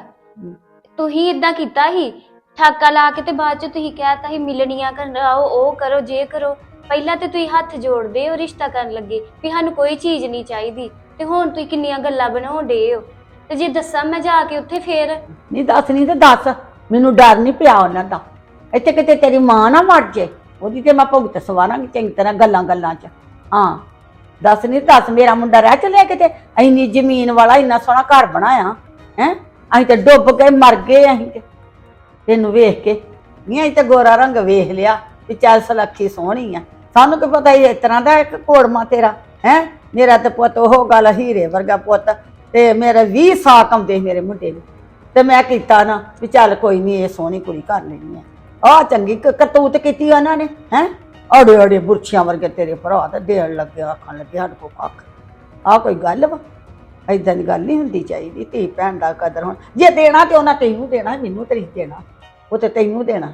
Speaker 7: ਤੁਸੀਂ ਇਦਾਂ ਕੀਤਾ ਸੀ ਠਾਕਾ ਲਾ ਕੇ ਤੇ ਬਾਅਦ ਚ ਤੁਸੀਂ ਕਹਿਤਾ ਸੀ ਮਿਲਣੀਆਂ ਕਰਾਓ, ਉਹ ਕਰੋ, ਜੇ ਕਰੋ। ਪਹਿਲਾਂ ਤੇ ਤੁਸੀਂ ਹੱਥ ਜੋੜਦੇ ਹੋ ਰਿਸ਼ਤਾ ਕਰਨ ਲੱਗੇ ਵੀ ਸਾਨੂੰ ਕੋਈ ਚੀਜ਼ ਨਹੀਂ ਚਾਹੀਦੀ, ਤੇ ਹੁਣ ਤੁਸੀਂ ਕਿੰਨੀਆਂ ਗੱਲਾਂ ਬਣਾਉਂਦੇ ਹੋ। ਤੇ ਜੇ ਦੱਸਾਂ ਮੈਂ ਜਾ ਕੇ ਉੱਥੇ ਫੇਰ?
Speaker 3: ਨਹੀਂ ਦੱਸ ਨਹੀਂ ਤੇ ਦੱਸ, ਮੈਨੂੰ ਡਰ ਨਹੀਂ ਪਿਆ ਉਹਨਾਂ ਦਾ। ਇੱਥੇ ਕਿਤੇ ਤੇਰੀ ਮਾਂ ਨਾ ਮਰ ਜੇ, ਉਹਦੀ ਤੇ ਮੈਂ ਭੁਗਤ ਸਵਾਰਾਂਗੀ ਚੰਗੀ ਤਰ੍ਹਾਂ ਗੱਲਾਂ ਗੱਲਾਂ 'ਚ। ਹਾਂ ਦੱਸ ਨਹੀਂ ਦੱਸ, ਮੇਰਾ ਮੁੰਡਾ ਰਹਿ ਚੱਲਿਆ ਕਿਤੇ? ਇੰਨੀ ਜ਼ਮੀਨ ਵਾਲਾ ਇੰਨਾ ਸੋਹਣਾ ਘਰ ਬਣਾਇਆ ਹੈ, ਅਸੀਂ ਤੇ ਡੁੱਬ ਕੇ ਮਰ ਗਏ। ਅਸੀਂ ਤੇ ਤੈਨੂੰ ਵੇਖ ਕੇ ਨਹੀਂ, ਅਸੀਂ ਤੇ ਗੋਰਾ ਰੰਗ ਵੇਖ ਲਿਆ ਵੀ ਚੱਲ ਸਲੱਖੀ ਸੋਹਣੀ ਆ, ਸਾਨੂੰ ਕੀ ਪਤਾ ਇਸ ਤਰ੍ਹਾਂ ਦਾ ਇੱਕ ਕੋੜਮਾ ਤੇਰਾ ਹੈ। ਮੇਰਾ ਤੇ ਪੁੱਤ ਉਹ ਗੱਲ ਹੀਰੇ ਵਰਗਾ ਪੁੱਤ, ਤੇ ਮੇਰੇ ਵੀਹ ਸਾਕ ਆਉਂਦੇ ਮੇਰੇ ਮੁੰਡੇ ਨੂੰ, ਤੇ ਮੈਂ ਕੀਤਾ ਨਾ ਵੀ ਚੱਲ ਕੋਈ ਨਹੀਂ ਇਹ ਸੋਹਣੀ ਕੁੜੀ ਕਰ ਲੈਣੀ ਆ। ਆਹ ਚੰਗੀ ਕ- ਕਰਤੂਤ ਕੀਤੀ ਉਹਨਾਂ ਨੇ ਹੈ। ਅੜੇ ਅੜੇ ਬੁਰਛੀਆਂ ਵਰਗੇ ਤੇਰੇ ਭਰਾ ਤੇ ਦੇਣ ਲੱਗੇ, ਆਖਣ ਲੱਗੇ ਸਾਡੇ ਕੋਲ ਕੱਖ। ਆਹ ਕੋਈ ਗੱਲ ਵਾ? ਏਦਾਂ ਦੀ ਗੱਲ ਨਹੀਂ ਹੁੰਦੀ ਚਾਹੀਦੀ। ਧੀ ਭੈਣ ਦਾ ਕਦਰ ਹੁਣ, ਜੇ ਦੇਣਾ ਤੇ ਉਹਨਾਂ ਤੈਨੂੰ ਦੇਣਾ, ਮੈਨੂੰ ਤੇ ਨਹੀਂ ਦੇਣਾ, ਉਹ ਤੇ ਤੈਨੂੰ ਦੇਣਾ।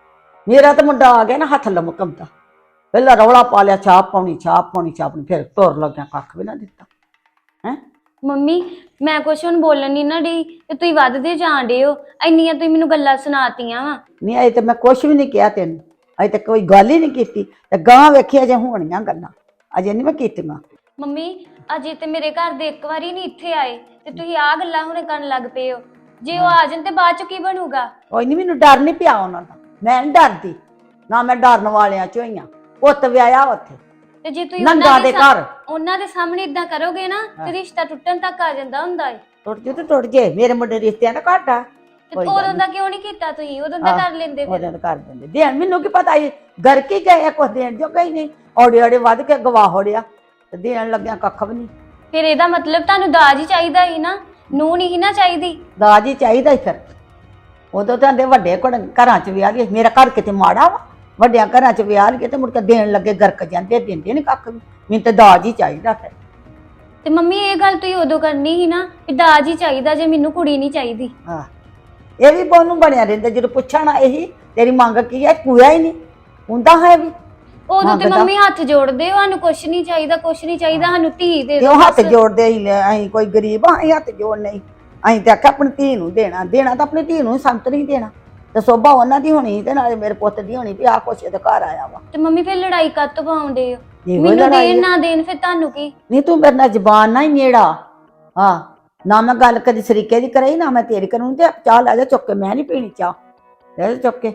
Speaker 3: ਮੇਰਾ ਤਾਂ ਮੁੰਡਾ ਆ ਗਿਆ ਨਾ ਹੱਥ ਲਮਕਮਦਾ, ਪਹਿਲਾਂ ਰੌਲਾ ਪਾ ਲਿਆ ਛਾਪ ਪਾਉਣੀ ਛਾਪ ਪਾਉਣੀ ਛਾਪ ਪਾਉਣੀ, ਫਿਰ ਤੁਰ ਲੱਗਿਆ ਕੱਖ ਵੀ ਨਾ ਦਿੱਤਾ ਹੈ।
Speaker 7: ਮੰਮੀ ਮੈਂ ਕੁਛ ਹੁਣ ਬੋਲਣ ਨਹੀਂ ਨਾ ਡਈ ਤੇ ਤੁਸੀਂ ਵੱਧਦੇ ਜਾਣ ਡੇ ਹੋ। ਇੰਨੀਆਂ ਤੁਸੀਂ ਮੈਨੂੰ ਗੱਲਾਂ ਸੁਣਾਤੀਆਂ ਵਾ।
Speaker 3: ਨਹੀਂ ਅਜੇ ਤੇ ਮੈਂ ਕੁਛ ਵੀ ਨਹੀਂ ਕਿਹਾ ਤੈਨੂੰ, ਅਜੇ ਤੱਕ ਕੋਈ ਗੱਲ ਹੀ ਨਹੀਂ ਕੀਤੀ। ਤੇ ਗਾਂ ਵੇਖੀ ਅਜੇ ਹੋਣੀਆਂ ਗੱਲਾਂ, ਅਜੇ ਨਹੀਂ ਮੈਂ ਕੀਤੀਆਂ।
Speaker 7: ਮੰਮੀ ਅਜੇ ਤੇ ਮੇਰੇ ਘਰ ਦੇ ਇੱਕ ਵਾਰੀ ਨਹੀਂ ਇੱਥੇ ਆਏ ਤੇ ਤੁਸੀਂ ਆਹ ਗੱਲਾਂ ਹੁਣ ਕਰਨ ਲੱਗ ਪਏ ਹੋ। ਜੇ ਉਹ ਆ ਜਾਣ ਤੇ ਬਾਅਦ ਚ ਕੀ ਬਣੂਗਾ?
Speaker 3: ਕੋਈ ਨਹੀਂ, ਮੈਨੂੰ ਡਰ ਨਹੀਂ ਪਿਆ ਉਹਨਾਂ ਦਾ, ਮੈਂ ਨਹੀਂ ਡਰਦੀ ਨਾ, ਮੈਂ ਡਰਨ ਵਾਲਿਆਂ ਚੋਂ ਹੀ ਆ। ਪੁੱਤ ਵਿਆਹਿਆ ਉੱਥੇ
Speaker 7: ਤੇ ਜੇ ਤੁਸੀਂ
Speaker 3: ਨੰਗਾ
Speaker 7: ਉਹਨਾਂ
Speaker 3: ਦੇ
Speaker 7: ਦੇ
Speaker 3: ਘਰ,
Speaker 7: ਉਹਨਾਂ ਦੇ ਸਾਹਮਣੇ ਇਦਾਂ ਕਰੋਗੇ ਨਾ ਤੇ ਰਿਸ਼ਤਾ ਟੁੱਟਣ ਤੱਕ ਆ ਜਾਂਦਾ ਹੁੰਦਾ ਏ।
Speaker 3: ਟੁੱਟ ਜੇ ਤੇ ਟੁੱਟ ਜੇ, ਮੇਰੇ ਮੁੰਡੇ ਰਿਸ਼ਤਿਆਂ ਦਾ ਘਾਟਾ।
Speaker 7: ਤੇ
Speaker 3: ਕੋਈ ਗੱਲ
Speaker 7: ਉਦੋਂ
Speaker 3: ਨੀ।
Speaker 7: ਦਾ ਕਿਉਂ ਨਹੀਂ ਕੀਤਾ ਤੁਸੀਂ? ਉਦੋਂ ਦਾ
Speaker 3: ਆਹ,
Speaker 7: ਕਰ ਲੈਂਦੇ ਫਿਰ।
Speaker 3: ਉਹਦੇ ਕਰ ਦਿੰਦੇ ਦੇਣ, ਮੈਨੂੰ ਕੀ ਪਤਾ ਸੀ ਘਰ ਕੀ ਗਏ ਕੁਛ ਦੇਣ ਜੋ ਗਈ ਨਹੀਂ, ਔੜੇ ਔੜੇ ਵੱਧ ਕੇ ਗਵਾ ਹੋੜਿਆ ਤੇ ਦੇਣ ਲੱਗਿਆ ਕੱਖ ਵੀ ਨਹੀਂ।
Speaker 7: ਫਿਰ ਇਹਦਾ ਮਤਲਬ ਤੁਹਾਨੂੰ ਦਾਜ ਹੀ ਚਾਹੀਦਾ ਸੀ ਨਾ, ਨੂੰ ਨਹੀਂ ਸੀ ਨਾ ਚਾਹੀਦੀ।
Speaker 3: ਦਾਜ ਹੀ ਚਾਹੀਦਾ ਹੀ ਫਿਰ। ਉਦੋਂ ਤਾਂ ਆਂਦੇ ਵੱਡੇ ਘੜ- ਘਰਾਂ 'ਚ ਵਿਆਹ ਲਈਏ, ਮੇਰਾ ਘਰ ਕਿਤੇ ਮਾੜਾ ਵਾ? ਵੱਡਿਆਂ ਘਰਾਂ 'ਚ ਵਿਆਹ ਲਈਏ ਤੇ ਮੁੜ ਕੇ ਦੇਣ ਲੱਗੇ ਗਰਕ ਜਾਂਦੇ, ਦਿੰਦੇ ਨਹੀਂ ਕੱਖ ਵੀ। ਮੈਨੂੰ ਤਾਂ ਦਾਜ ਹੀ ਚਾਹੀਦਾ ਫਿਰ।
Speaker 7: ਤੇ ਮੰਮੀ ਇਹ ਗੱਲ ਤੁਸੀਂ ਉਦੋਂ ਕਰਨੀ ਸੀ ਨਾ ਵੀ ਦਾਜ ਹੀ ਚਾਹੀਦਾ ਜੇ ਮੈਨੂੰ ਕੁੜੀ ਨਹੀਂ ਚਾਹੀਦੀ।
Speaker 3: ਹਾਂ ਇਹ ਵੀ ਬੋਨੂੰ ਬਣਿਆ ਰਹਿੰਦਾ, ਜਦੋਂ ਪੁੱਛਣਾ ਇਹੀ ਤੇਰੀ ਮੰਗ ਕੀ ਹੈ, ਪੂਰਾ ਹੀ ਨਹੀਂ ਹੁੰਦਾ ਹੈ ਵੀ।
Speaker 7: ਉਦੋਂ ਤੇ
Speaker 3: ਮੰਗਦਾ।
Speaker 7: ਮੰਮੀ ਹੱਥ ਜੋੜਦੇ ਹੋ, ਸਾਨੂੰ ਕੁਛ ਨਹੀਂ ਚਾਹੀਦਾ, ਕੁਛ ਨਹੀਂ ਚਾਹੀਦਾ, ਸਾਨੂੰ ਧੀ ਦੇ
Speaker 3: ਕਿਉਂ
Speaker 7: ਦਿਓ
Speaker 3: ਹੱਥ
Speaker 7: ਬਸ।
Speaker 3: ਜੋੜਦੇ ਹੀ ਲੈ, ਅਸੀਂ ਕੋਈ ਗਰੀਬ ਆ, ਅਸੀਂ ਹੱਥ ਜੋੜ ਨਹੀਂ। ਅਸੀਂ ਤੇ ਆਖਿਆ ਆਪਣੀ ਧੀ ਨੂੰ ਦੇਣਾ, ਦੇਣਾ ਤਾਂ ਆਪਣੀ ਧੀ ਨੂੰ ਸੰਤ ਨਹੀਂ ਦੇਣਾ, ਤੇ ਸੋਭਾ ਉਹਨਾਂ ਦੀ ਹੋਣੀ ਤੇ ਨਾਲੇ ਮੇਰੇ ਪੁੱਤ ਦੀ ਹੋਣੀ ਵੀ ਆਹ ਕੁਛ ਇਹਦੇ ਘਰ ਆਇਆ ਵਾ।
Speaker 7: ਤੇ ਮੰਮੀ ਫਿਰ ਲੜਾਈ ਕਾਹਤੋਂ ਪਾਉਂਦੇ ਹੋ?
Speaker 3: ਇਹੋ
Speaker 7: ਮੈਨੂੰ
Speaker 3: ਲੜਾਈ
Speaker 7: ਦੇਣ
Speaker 3: ਆ।
Speaker 7: ਨਾ ਦੇਣ ਫਿਰ ਤੁਹਾਨੂੰ ਕੀ?
Speaker 3: ਨਹੀਂ ਤੂੰ ਮੇਰੇ ਨਾਲ ਜ਼ਬਾਨ ਨਾ ਹੀ ਨੇੜਾ, ਹਾਂ ਨਾ ਮੈਂ ਗੱਲ ਕਦੀ ਸਰੀਕੇ ਦੀ ਕਰਾਈ ਨਾ ਮੈਂ ਤੇਰੀ ਕਰੂੰ। ਤੇ ਚਾਹ ਲੈ ਜਾ ਚੁੱਕ ਕੇ, ਮੈਂ ਨਹੀਂ ਪੀਣੀ ਚਾਹ, ਲੈ ਜਾ ਚੁੱਕ ਕੇ।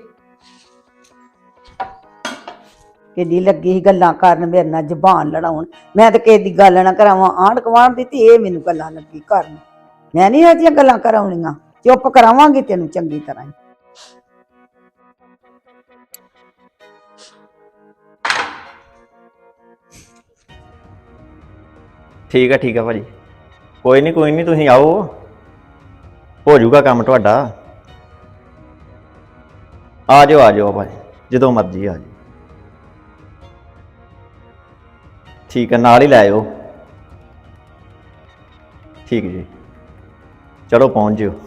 Speaker 3: ਕਿੱਡੀ ਲੱਗੀ ਸੀ ਗੱਲਾਂ ਕਰਨ ਮੇਰੇ ਨਾਲ, ਜ਼ਬਾਨ ਲੜਾਉਣ। ਮੈਂ ਤਾਂ ਕਿਸੇ ਦੀ ਗੱਲ ਨਾ ਕਰਾਵਾਂ, ਆਂਢ ਗੁਆਂਢ ਦੀ, ਤੇ ਇਹ ਮੈਨੂੰ ਗੱਲਾਂ ਲੱਗੀ ਕਰਨ। ਮੈਂ ਨਹੀਂ ਇਹੋ ਜਿਹੀਆਂ ਗੱਲਾਂ ਕਰਾਉਣੀਆਂ, ਚੁੱਪ ਕਰਾਵਾਂਗੀ ਤੈਨੂੰ ਚੰਗੀ ਤਰ੍ਹਾਂ ਹੀ।
Speaker 4: ਠੀਕ ਹੈ ਠੀਕ ਹੈ ਭਾਜੀ, ਕੋਈ ਨਹੀਂ ਕੋਈ ਨਹੀਂ, ਤੁਸੀਂ ਆਓ, ਹੋ ਜਾਊਗਾ ਕੰਮ ਤੁਹਾਡਾ। ਆ ਜਾਓ ਆ ਜਾਓ ਭਾਜੀ, ਜਦੋਂ ਮਰਜ਼ੀ ਆ ਜਾਓ। ਠੀਕ ਹੈ, ਨਾਲ ਹੀ ਲੈ ਆਇਓ। ਠੀਕ ਜੀ, ਚਲੋ ਪਹੁੰਚ ਜਿਓ।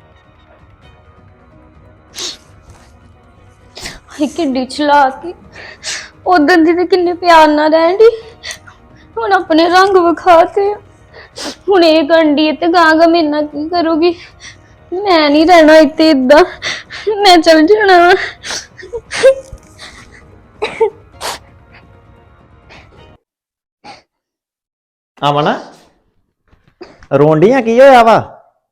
Speaker 7: ਹਾਏ ਕਿੱਡੀ ਚਲਾਕ, ਉਦੋਂ ਦੀ ਤੇ ਕਿੰਨੇ ਪਿਆਰ ਨਾਲ ਰਹਿਣ ਦੀ, ਹੁਣ ਆਪਣੇ ਰੰਗ ਵਿਖਾਤੇ। ਹੁਣ ਇਹ ਗੰਢੀ ਤੇ ਗਾਂਗਾ ਮੇਰੇ ਨਾਲ ਕੀ ਕਰੂਗੀ? ਮੈਂ ਨਹੀਂ ਰਹਿਣਾ ਇੱਥੇ ਇਦਾਂ, ਮੈਂ ਚਲ ਜਾਣਾ ਵਾ।
Speaker 4: ਅਮਨ ਰੋਂਡੀਆਂ ਕੀ ਹੋਇਆ ਵਾ?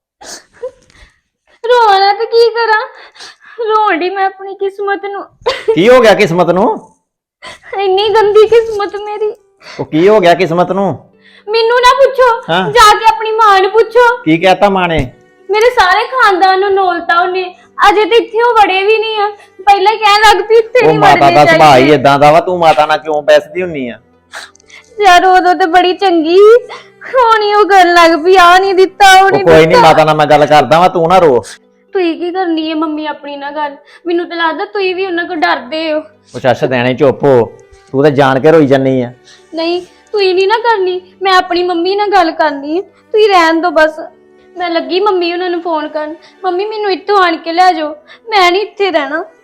Speaker 7: ਰੋਣਾ ਤੇ ਕੀ ਕਰਾਂ, ਰੋਣ ਡਈ ਮੈਂ ਆਪਣੀ ਕਿਸਮਤ ਨੂੰ।
Speaker 4: ਕੀ ਹੋ ਗਿਆ ਕਿਸਮਤ ਨੂੰ?
Speaker 7: ਇੰਨੀ ਗੰਦੀ ਕਿਸਮਤ ਮੇਰੀ।
Speaker 4: ਉਹ ਕੀ ਹੋ ਗਿਆ ਕਿਸਮਤ ਨੂੰ?
Speaker 7: ਮੈਨੂੰ ਨਾ ਪੁੱਛੋ,
Speaker 4: ਹਾਂ।
Speaker 7: ਜਾ ਕੇ ਆਪਣੀ ਮਾਂ ਨੂੰ ਪੁੱਛੋ।
Speaker 4: ਕੀ ਕਹਿਤਾ ਮਾਂ ਨੇ?
Speaker 7: ਮੇਰੇ ਸਾਰੇ ਖਾਨਦਾਨ ਨੂੰ ਨੋਲਤਾ ਉਹਨੇ, ਅਜੇ ਤੇ ਇੱਥੇ ਉਹ ਵੜੇ ਵੀ ਨਹੀਂ ਆ। ਪਹਿਲਾਂ ਹੀ ਕਹਿਣ ਲੱਗ ਪਈ ਇੱਥੇ
Speaker 4: ਉਹ
Speaker 7: ਨਹੀਂ
Speaker 4: ਮਾਤਾ
Speaker 7: ਵੜਨੇ
Speaker 4: ਦਾ ਸੁਭਾਅ ਹੀ
Speaker 7: ਚਾਹੀਦੇ।
Speaker 4: ਇਦਾਂ ਦਾ ਵਾ, ਤੂੰ ਮਾਤਾ ਨਾਲ ਕਿਉਂ ਬੈਸਦੀ ਹੁੰਨੀ ਆ?
Speaker 7: ਯਾਰ ਉਦੋਂ ਤੇ ਬੜੀ ਚੰਗੀ ਹੋਣੀ, ਉਹ ਕਰਨ ਲੱਗ ਪਈ ਆ ਨਹੀਂ ਦਿੱਤਾ ਉਹ
Speaker 4: ਉਹ
Speaker 7: ਨਹੀਂ
Speaker 4: ਕੋਈ ਨਹੀਂ,
Speaker 7: ਦਿੱਤਾ।
Speaker 4: ਮਾਤਾ ਨਾਲ ਮੈਂ ਗੱਲ ਕਰਦਾ ਵਾਂ, ਤੂੰ ਨਾ ਰੋ।
Speaker 7: ਤੁਸੀਂ ਕੀ ਕਰਨੀ ਹੈ ਮੰਮੀ ਆਪਣੀ ਨਾਲ ਗੱਲ? ਮੈਨੂੰ ਤਾਂ ਲੱਗਦਾ ਤੁਸੀਂ ਵੀ ਉਹਨਾਂ ਕੋਲ ਡਰਦੇ ਹੋ।
Speaker 4: ਉਹ ਚੱਸ਼ ਦੇਣੇ ਚੁੱਪ ਹੋ, ਤੂੰ ਤਾਂ ਜਾਣ ਕੇ ਰੋਈ ਜੰਨੀ ਆ।
Speaker 7: ਨਹੀਂ ਤੁਸੀਂ ਨਹੀਂ ਨਾ ਕਰਨੀ, ਮੈਂ ਆਪਣੀ ਮੰਮੀ ਨਾਲ ਗੱਲ ਕਰਨੀ ਹੈ, ਤੁਸੀਂ ਰਹਿਣ ਦਿਓ ਬਸ। ਮੈਂ ਲੱਗੀ ਮੰਮੀ ਉਹਨਾਂ ਨੂੰ ਫੋਨ ਕਰਨ, ਮੰਮੀ ਮੈਨੂੰ ਇੱਥੋਂ ਆਣ ਕੇ ਲੈ ਜਾਓ, ਮੈਂ ਨਹੀਂ ਇੱਥੇ ਰਹਿਣਾ।